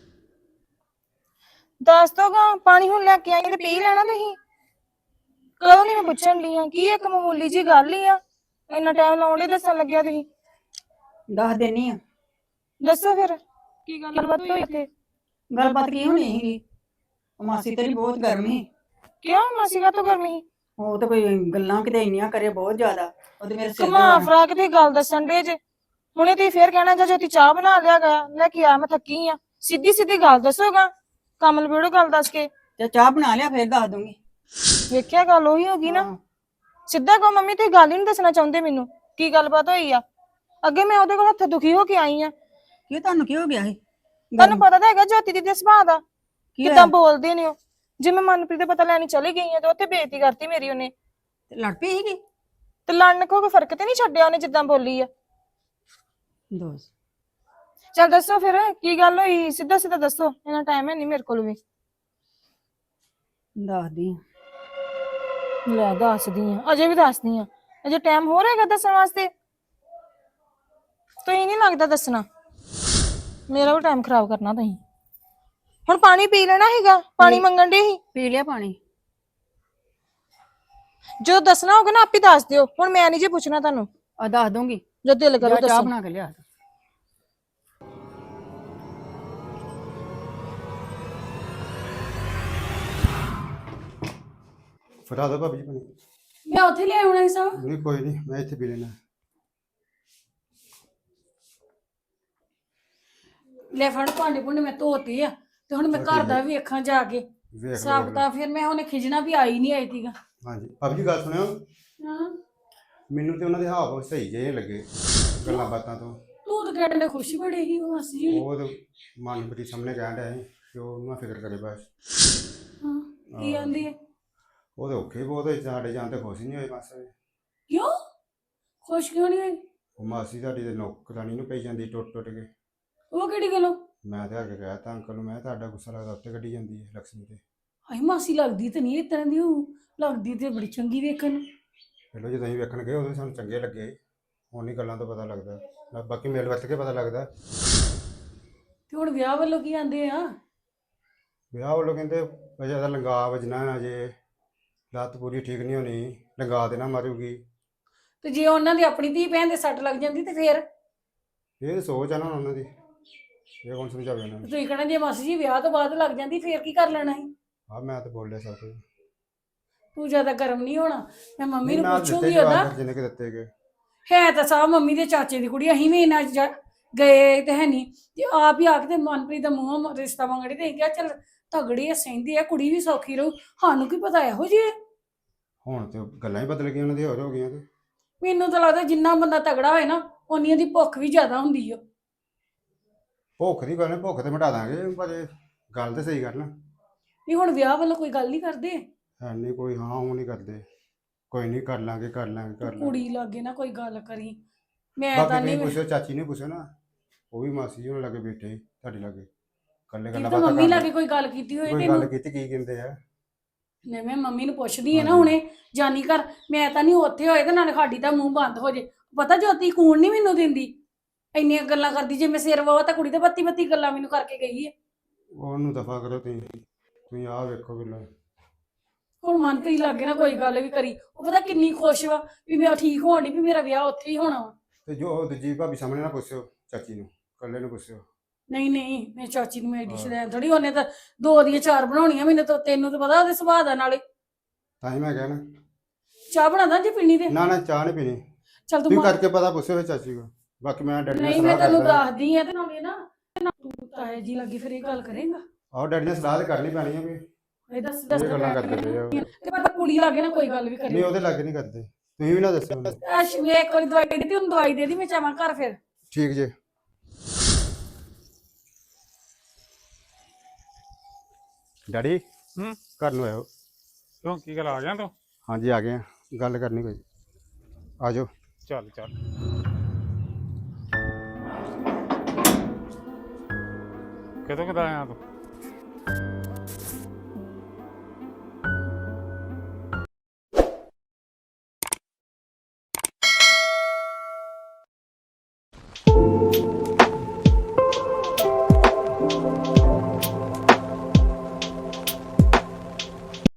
Speaker 4: ਦੱਸ ਦੋਗਾ ਪਾਣੀ ਹੁਣ ਲੈ ਕੇ ਆਈ ਤੇ ਪੀ ਲੈਣਾ ਤੁਸੀਂ। ਕਦੋਂ ਨਹੀਂ ਮੈਂ ਪੁੱਛਣ ਲਈ ਆ ਕੀ ਇੱਕ ਮਾਮੂਲੀ ਜੀ ਗੱਲ ਹੀ ਆ ਇੰਨਾ ਟਾਈਮ ਲਾਉਂਦੇ ਦੱਸਣ ਲੱਗਿਆ ਤੁਸੀਂ।
Speaker 6: ਦੱਸ ਦੇਣੀ ਆ
Speaker 4: ਦੱਸੋ ਫਿਰ ਕੀ ਗੱਲਬਾਤ ਹੋਈ ਇੱਥੇ।
Speaker 6: ਗੱਲਬਾਤ ਕੀ ਹੋਣੀ ਸੀਗੀ ਮਾਸੀ ਤੇਰੀ ਬਹੁਤ ਗਰਮੀ
Speaker 4: ਕਿਉਂ ਮਾਸੀ ਕਾ ਤੋਂ ਗਰਮੀ
Speaker 6: ਉਹ ਤਾਂ ਕੋਈ ਗੱਲਾਂ ਕਿਤੇ ਇੰਨੀਆਂ ਕਰੇ ਬਹੁਤ ਜ਼ਿਆਦਾ ਉਹਦੇ ਮੇਰੇ ਸਿਰ
Speaker 4: ਕਮਾ ਫਰਾਕ ਦੀ ਗੱਲ ਦੱਸਣ ਦੇ ਜੇ ਹੁਣੇ ਤੁਸੀਂ ਫੇਰ ਕਹਿਣਾ ਜਾਂ ਜੋਤੀ ਚਾਹ ਬਣਾ ਲਿਆ ਗਿਆ ਲੈ ਕੇ ਆ ਮੈਂ ਥੱਕੀ ਆ। ਸਿੱਧੀ ਸਿੱਧੀ ਗੱਲ ਦੱਸੋਗਾ ਕੰਮ ਲਬੇੜੋ ਗੱਲ ਦੱਸ ਕੇ।
Speaker 6: ਤੇ ਚਾਹ ਬਣਾ ਲਿਆ ਫੇਰ ਦੱਸ ਦੂੰਗੀ
Speaker 4: ਵੇਖਿਆ ਗੱਲ ਉਹੀ ਹੋ ਗਈ ਨਾ।
Speaker 6: ਹਾਂ।
Speaker 4: ਸਿੱਧਾ ਕਹੋ ਮੰਮੀ ਤੁਸੀਂ ਗੱਲ ਹੀ ਨਹੀਂ ਦੱਸਣਾ ਚਾਹੁੰਦੇ ਮੈਨੂੰ ਕੀ ਗੱਲਬਾਤ ਹੋਈ ਆ। ਅੱਗੇ ਮੈਂ ਉਹਦੇ ਕੋਲ ਹੱਥ ਦੁਖੀ ਹੋ ਕੇ ਆਈ ਆ।
Speaker 6: ਕੀ ਤੁਹਾਨੂੰ ਕੀ ਹੋ ਗਿਆ ਸੀ
Speaker 4: ਤੁਹਾਨੂੰ ਪਤਾ ਤਾਂ ਹੈਗਾ ਜੋਤੀ ਦੀ ਸੁਭਾਅ ਦਾ
Speaker 6: ਕੀ
Speaker 4: ਕਿਦਾਂ
Speaker 6: ਹੋਇਆ?
Speaker 4: ਬੋਲਦੇ ਨੇ ਉਹ। ਜੇ ਮੈਂ ਮਨਪ੍ਰੀਤ ਦਾ ਪਤਾ ਲੈਣੀ ਚਲੀ ਗਈ ਆ ਤੇ ਉੱਥੇ ਬੇਇੱਜ਼ਤੀ ਕਰਤੀ ਮੇਰੀ ਉਹਨੇ
Speaker 6: ਤੇ ਲੜ ਪਈ ਸੀਗੀ
Speaker 4: ਤੇ ਲੜਨ ਕੋ ਕੋਈ ਫਰਕ ਤੇ ਨਹੀਂ ਛੱਡਿਆ ਉਹਨੇ ਜਿੱਦਾਂ ਬੋਲੀ ਆ।
Speaker 6: ਦੋਸ
Speaker 4: ਚੱਲ ਦੱਸੋ ਫਿਰ ਕੀ ਗੱਲ ਹੋਈ ਸਿੱਧਾ ਸਿੱਧਾ ਦੱਸੋ ਇੰਨਾ ਟਾਈਮ ਹੈ ਨਹੀਂ ਮੇਰੇ ਕੋਲ ਵੀ।
Speaker 6: ਦੱਸਦੀ ਆਂ।
Speaker 4: ਲੈ ਦੱਸਦੀ ਆ ਅਜੇ ਵੀ ਦੱਸਦੀ ਆ ਅਜੇ ਟਾਈਮ ਹੋ ਰਿਹਾ ਹੈਗਾ ਦੱਸਣ ਵਾਸਤੇ। ਤੁਸੀਂ ਨਹੀਂ ਲੱਗਦਾ ਦੱਸਣਾ ਮੇਰਾ ਵੀ ਟਾਈਮ ਖਰਾਬ ਕਰਨਾ ਤੁਸੀਂ। ਹੁਣ ਪਾਣੀ ਪੀ ਲੈਣਾ ਹੈਗਾ ਪਾਣੀ ਮੰਗਣ ਦੇ ਹੀ
Speaker 6: ਪੀ ਲਿਆ ਪਾਣੀ
Speaker 4: ਜੋ ਦੱਸਣਾ ਹੋਗਾ ਨਾ ਆਪੇ ਦੱਸ ਦਿਓ। ਹੁਣ ਮੈਂ ਨਹੀਂ ਜੇ ਪੁੱਛਣਾ ਤੁਹਾਨੂੰ
Speaker 6: ਆ ਦੱਸ ਦੂੰਗੀ
Speaker 4: ਜੋ ਦਿਲ ਕਰੋ
Speaker 6: ਜਾ ਚਾਹ
Speaker 4: ਦੱਸੋ।
Speaker 6: ਬਣਾ ਕੇ ਲਿਆ
Speaker 5: ਫੜਾ ਦੋ ਭਾਬੀ ਜੀ ਪਾਣੀ
Speaker 1: ਮੈਂ ਉੱਥੇ ਲਿਆ ਹੋਣਾ ਸੀ ਸਭ
Speaker 5: ਨਹੀਂ ਕੋਈ ਨਹੀਂ ਮੈਂ ਇੱਥੇ ਪੀ ਲੈਣਾ
Speaker 1: ਲੈ ਫੜ ਭਾਂਡੇ ਭੁੰਡੇ ਮੈਂ ਧੋਤੇ ਆ ਤੇ ਹੁਣ ਮੈਂ ਘਰ ਦਾ ਵੀ ਵੇਖਾਂ ਜਾ ਕੇ
Speaker 5: ਵੇਖ ਲਓ,
Speaker 1: ਸਾਬ
Speaker 5: ਵੇਖ ਲਓ।
Speaker 1: ਤਾਂ ਫਿਰ ਮੈਂ ਉਹਨੇ ਖਿਜਣਾ ਵੀ ਆਈ ਨਹੀਂ ਆਈ ਤੀਗਾ
Speaker 5: ਹਾਂਜੀ ਭਾਬੀ ਜੀ ਗੱਲ ਸੁਣਿਓ
Speaker 1: ਹਾਂ
Speaker 5: ਮੈਨੂੰ ਤੇ ਉਹਨਾਂ ਦੇ ਹਾਵ ਸਹੀ ਜਿਹੇ ਲੱਗੇ ਗੱਲਾਂ ਬਾਤਾਂ ਤੋਂ
Speaker 1: ਤੂੰ ਤਾਂ ਕਹਿੰਦੇ ਖੁਸ਼ੀ ਬੜੀ ਸੀ ਉਹ ਮਾਸੀ ਜੀ
Speaker 5: ਉਹ ਤੇ ਮਨਪ੍ਰੀਤ ਸਾਹਮਣੇ ਕਹਿਣ ਡਿਆ ਸੀ ਕਿ ਉਹ ਨਾ ਫਿਕਰ ਕਰੇ ਬਸ
Speaker 1: ਹਾਂ ਕੀ ਆਂਦੀ ਹੈ
Speaker 5: ਉਹ ਤੇ ਔਖੇ ਬਹੁਤ ਹੋਏ ਸਾਡੇ ਜਾਣ ਤੇ ਖੁਸ਼ ਹੀ ਨਹੀਂ ਹੋਏ ਮਾਸਾ
Speaker 1: ਕਿਉਂ ਖੁਸ਼ ਕਿਉਂ ਨਹੀਂ ਹੋਈ
Speaker 5: ਉਹ ਮਾਸੀ ਸਾਡੀ ਦੇ ਨੌਕਰਾਨੀ ਨੂੰ ਪਈ ਜਾਂਦੀ ਟੁੱਟ ਟੁੱਟ ਕੇ
Speaker 1: ਉਹ ਕਿਹੜੀ ਗੱਲੋਂ
Speaker 5: ਮੈਂ ਤੇ ਆ ਕੇ ਕਹਿ ਤਾ ਅੰਕਲ ਨੂੰ ਮੈਂ ਕਿਹਾ ਤੁਹਾਡਾ ਗੁੱਸਾ ਲੱਗਦਾ ਉੱਤੇ ਕੱਢੀ ਜਾਂਦੀ ਹੈ ਲక్ష్ਮੀ ਤੇ
Speaker 1: ਆਈ ਮਾਸੀ ਲੱਗਦੀ ਤੇ ਨਹੀਂ ਇਸ ਤਰ੍ਹਾਂ ਦੀ ਉਹ ਲੱਗਦੀ ਤੇ ਬੜੀ ਚੰਗੀ ਵੇਖਣ ਨੂੰ।
Speaker 5: ਪਹਿਲਾਂ ਜਦੋਂ ਅਸੀਂ ਵੇਖਣ ਗਏ ਉਦੋਂ ਵੀ ਸਾਨੂੰ ਚੰਗੇ ਲੱਗੇ ਹੁਣ ਨਹੀਂ ਗੱਲਾਂ ਤੋਂ ਪਤਾ ਲੱਗਦਾ ਬਾਕੀ ਮਿਲ ਵਰਤ ਕੇ ਪਤਾ ਲੱਗਦਾ
Speaker 1: ਤੇ ਹੁਣ ਵਿਆਹ ਵੱਲੋਂ ਕੀ ਆਂਦੇ ਆ
Speaker 5: ਵਿਆਹ ਵੱਲੋਂ ਕਹਿੰਦੇ ਵਜ੍ਹਾ ਦਾ ਲੰਗਾ ਵਜਣਾ ਅਜੇ, ਲੱਤ ਪੂਰੀ ਠੀਕ ਨਹੀਂ ਹੋਣੀ, ਲੰਗਾ ਦੇਣਾ ਮਾਰੂਗੀ।
Speaker 1: ਤੇ ਜੇ ਉਹਨਾਂ ਦੀ ਆਪਣੀ ਧੀ ਭੈਣ ਦੇ ਸੱਟ ਲੱਗ ਜਾਂਦੀ ਤੇ ਫੇਰ
Speaker 5: ਇਹ ਤਾਂ ਸੋਚ ਆ ਨਾ ਉਹਨਾਂ ਦੀ, ਇਹ ਕੌਣ ਸਮਝਾਵੇ ਉਹਨਾਂ ਨੂੰ।
Speaker 1: ਤੁਸੀਂ ਕਹਿਣਾ ਜੇ ਮਾਸੀ ਜੀ ਵਿਆਹ ਤੋਂ ਬਾਅਦ ਲੱਗ ਜਾਂਦੀ ਫੇਰ ਕੀ ਕਰ ਲੈਣਾ ਸੀ।
Speaker 5: ਆ ਮੈਂ ਤਾਂ ਬੋਲਿਆ ਸਭ ਕੁਝ।
Speaker 1: ਤੂੰ ਜ਼ਿਆਦਾ ਗਰਮ ਨਹੀਂ ਹੋਣਾ, ਮੈਂ ਮੰਮੀ ਨੂੰ
Speaker 5: ਮੈਂ ਦਿੱਤੇ
Speaker 1: ਪੁੱਛੂਗੀ
Speaker 5: ਜਵਾਬ
Speaker 1: ਉਹਦਾ।
Speaker 5: ਫਿਰ ਜਿੰਨੇ ਕਿ ਦਿੱਤੇ ਗਏ।
Speaker 1: ਹੈ ਤਾਂ ਸਾਹ ਮੰਮੀ ਦੇ ਚਾਚੇ ਦੀ ਕੁੜੀ, ਅਸੀਂ ਵੀ ਇਹਨਾਂ ਗਏ ਤੇ ਹੈ ਨਹੀਂ ਤੇ ਆਪ ਹੀ ਆ ਕੇ ਤੇ ਮਨਪ੍ਰੀਤ ਦਾ ਮੂੰਹ ਰਿਸ਼ਤਾ ਮੰਗੜੀ ਤੇ ਅਸੀਂ ਕਿਹਾ ਚੱਲ ਤਗੜੀ ਆ, ਸਹਿੰਦੀ ਆ, ਕੁੜੀ ਵੀ ਸੌਖੀ ਰਹੂ। ਸਾਨੂੰ ਕੀ ਪਤਾ ਇਹੋ ਜਿਹੇ।
Speaker 5: ਹੁਣ ਤੇ ਗੱਲਾਂ ਹੀ ਬਦਲ ਗਈਆਂ ਉਹਨਾਂ ਦੀ, ਹੋਰ ਹੋ ਗਈਆਂ ਤੇ।
Speaker 1: ਮੈਨੂੰ ਤਾਂ ਲੱਗਦਾ ਜਿੰਨਾ ਬੰਦਾ ਤਗੜਾ ਹੋਏ ਨਾ ਉਨੀ ਉਹਦੀ ਭੁੱਖ ਵੀ ਜ਼ਿਆਦਾ ਹੁੰਦੀ ਆ।
Speaker 5: ਭੁੱਖ ਦੀ ਗੱਲ ਨਹੀਂ, ਭੁੱਖ ਤੇ ਮਿਟਾ ਦਾਂਗੇ, ਪਰ ਇਹ ਗੱਲ ਤੇ ਸਹੀ ਕਰ ਨਾ।
Speaker 1: ਨਹੀਂ ਹੁਣ ਵਿਆਹ ਵੱਲੋਂ ਕੋਈ ਗੱਲ ਨਹੀਂ ਕਰਦੇ,
Speaker 5: ਹੈ ਨਹੀਂ ਕੋਈ, ਹਾਂ ਉਹ ਨਹੀਂ ਕਰਦੇ, ਕੋਈ ਨਹੀਂ ਕਰ ਲਾਂਗੇ ਕਰ ਲਾਂਗੇ ਕਰ ਲਾਂਗੇ।
Speaker 1: ਕੁੜੀ ਲਾਗੇ ਨਾ ਕੋਈ ਗੱਲ ਕਰੀ। ਮੈਂ
Speaker 5: ਬਾਕੀ
Speaker 1: ਤਾਂ
Speaker 5: ਤੁਸੀਂ
Speaker 1: ਨਹੀਂ,
Speaker 5: ਪੁੱਛੋ, ਚਾਚੀ ਨੇ ਪੁੱਛੋ ਨਾ, ਉਹ ਵੀ ਮਾਸੀ ਜੀ ਹੋਣ ਲੱਗੇ ਬੈਠੇ ਸੀ ਤੁਹਾਡੇ ਲਾਗੇ, ਕੱਲੇ
Speaker 1: ਕੀ
Speaker 5: ਗੱਲਾਂ
Speaker 1: ਤਾਂ
Speaker 5: ਬਾਤਾਂ
Speaker 1: ਮੰਮੀ
Speaker 5: ਕਰਦੇ।
Speaker 1: ਲਾਗੇ ਕੋਈ ਗੱਲ ਕੀਤੀ ਹੋਏ
Speaker 5: ਕੋਈ ਗੱਲ
Speaker 1: ਤੈਨੂੰ।
Speaker 5: ਕੀਤੀ, ਕੀ ਕਹਿੰਦੇ ਆ?
Speaker 1: ਨਹੀਂ ਮੈਂ ਮੰਮੀ ਨੂੰ ਪੁੱਛਦੀ ਆ ਨਾ
Speaker 5: ਹਾਂਜੀ।
Speaker 1: ਹੁਣੇ ਜਾਨੀ ਘਰ, ਮੈਂ ਤਾਂ ਨਹੀਂ ਉੱਥੇ ਹੋਏ ਤੇ ਨਾਲੇ ਸਾਡੀ ਤਾਂ ਮੂੰਹ ਬੰਦ ਹੋ ਜੇ। ਪਤਾ ਜੋਤੀ ਕੂਣ ਨਹੀਂ ਮੈਨੂੰ ਦਿੰਦੀ, ਇੰਨੀਆਂ ਗੱਲਾਂ ਕਰਦੀ। ਜੇ ਮੈਂ ਸਿਰ ਵਾਵਾ ਤਾਂ ਕੁੜੀ ਤੇ ਬੱਤੀ ਬੱਤੀ ਗੱਲਾਂ ਮੈਨੂੰ ਕਰਕੇ ਗਈ ਹੈ।
Speaker 5: ਉਹਨੂੰ ਦਫਾ ਕਰੋ ਤੁਸੀਂ ਆਹ ਵੇਖੋ ਬਿੱਲਾ।
Speaker 1: ਹੁਣ ਮਨਪ੍ਰੀਤ ਲਾਗੇ ਨਾ ਕੋਈ ਗੱਲ ਵੀ ਕਰੀ, ਉਹ ਪਤਾ ਕਿੰਨੀ ਖੁਸ਼ ਵਾ ਵੀ ਮੈਂ ਠੀਕ ਹੋਣ ਡਈ, ਵੀ ਮੇਰਾ ਵਿਆਹ ਉੱਥੇ ਹੀ ਹੋਣਾ ਵਾ।
Speaker 5: ਤੇ ਜੋ ਦੂਜੀ ਭਾਬੀ ਸਾਹਮਣੇ ਨਾ ਪੁੱਛਿਓ, ਚਾਚੀ ਨੂੰ ਕੱਲੇ ਨੂੰ ਪੁੱਛਿਓ।
Speaker 1: ਨਹੀਂ ਨਹੀਂ ਮੈਂ ਚਾਚੀ ਨੂੰ ਮੇਰੀ ਡਿਸ਼ ਲੈਣ ਥੋੜੀ, ਉਹਨੇ ਤਾਂ 2 ਦੀਆਂ 4 ਬਣਾਉਣੀਆਂ, ਮੈਨੂੰ ਤਾਂ, ਤੈਨੂੰ ਤਾਂ ਪਤਾ ਉਹਦੇ ਸੁਭਾਅ ਦਾ। ਨਾਲੇ
Speaker 5: ਤਾਂ ਹੀ ਮੈਂ ਕਿਹਾ ਨਾ,
Speaker 1: ਚਾਹ ਬਣਾਦਾ ਜੇ ਪੀਣੀ ਤੇ
Speaker 5: ਨਾ ਚਾਹ ਨਹੀਂ ਪੀਣੀ,
Speaker 1: ਚੱਲ ਤੂੰ
Speaker 5: ਤੁਸੀਂ
Speaker 1: ਮਾਰ।
Speaker 5: ਕਰਕੇ ਪਤਾ ਪੁੱਛਿਓ ਫਿਰ ਚਾਚੀ ਕੋ। ਬਾਕੀ ਮੈਂ ਡੈਡੀ ਨਾਲ
Speaker 1: ਨਹੀਂ ਮੈਂ
Speaker 5: ਸਲਾਹ
Speaker 1: ਤੈਨੂੰ
Speaker 5: ਕਰਦਾ।
Speaker 1: ਦੱਸਦੀ ਆ ਤੇ ਨਾਲੇ ਨਾ ਤੂੰ ਤਾਏ ਜੀ ਲੱਗੀ ਫਿਰ ਇਹ ਗੱਲ ਕਰੇਗਾ।
Speaker 5: ਆਹੋ ਡੈਡੀ ਨਾਲ ਸਲਾਹ ਤੇ ਕਰਨੀ ਪੈਣੀ ਹੈ ਵੀ,
Speaker 1: ਇਹ ਦੱਸ
Speaker 5: ਇਹ ਗੱਲਾਂ ਕਰਦੇ ਪਏ ਆ।
Speaker 1: ਤੇ ਪਰ ਕੁੜੀ ਲਾਗੇ ਨਾ ਕੋਈ ਗੱਲ ਵੀ
Speaker 5: ਨਹੀਂ
Speaker 1: ਕਰੇ।
Speaker 5: ਉਹਦੇ ਲਾਗੇ ਨਹੀਂ ਕਰਦੇ, ਤੁਸੀਂ ਵੀ ਨਾ ਦੱਸਿਓ ਉਹਨੂੰ।
Speaker 1: ਐਸ਼ ਮੈਂ ਇੱਕ ਵਾਰੀ ਦਵਾਈ ਦਿੱਤੀ, ਉਹਨੂੰ ਦਵਾਈ ਦੇ ਦੀ, ਮੈਂ ਚਾਹਾਂ ਘਰ ਫਿਰ।
Speaker 5: ਠੀਕ ਜੇ। ਡੈਡੀ ਘਰ ਨੂੰ ਆਇਓ।
Speaker 7: ਕਿਉਂ ਕੀ ਗੱਲ ਆ ਗਿਆ ਤੂੰ?
Speaker 5: ਹਾਂਜੀ ਆ ਗਏ ਆ, ਗੱਲ ਕਰਨੀ ਕੋਈ। ਆ ਜਾਓ।
Speaker 7: ਚੱਲ ਚੱਲ। ਕਦੋਂ ਕਦਾ ਆਇਆ ਤੂੰ?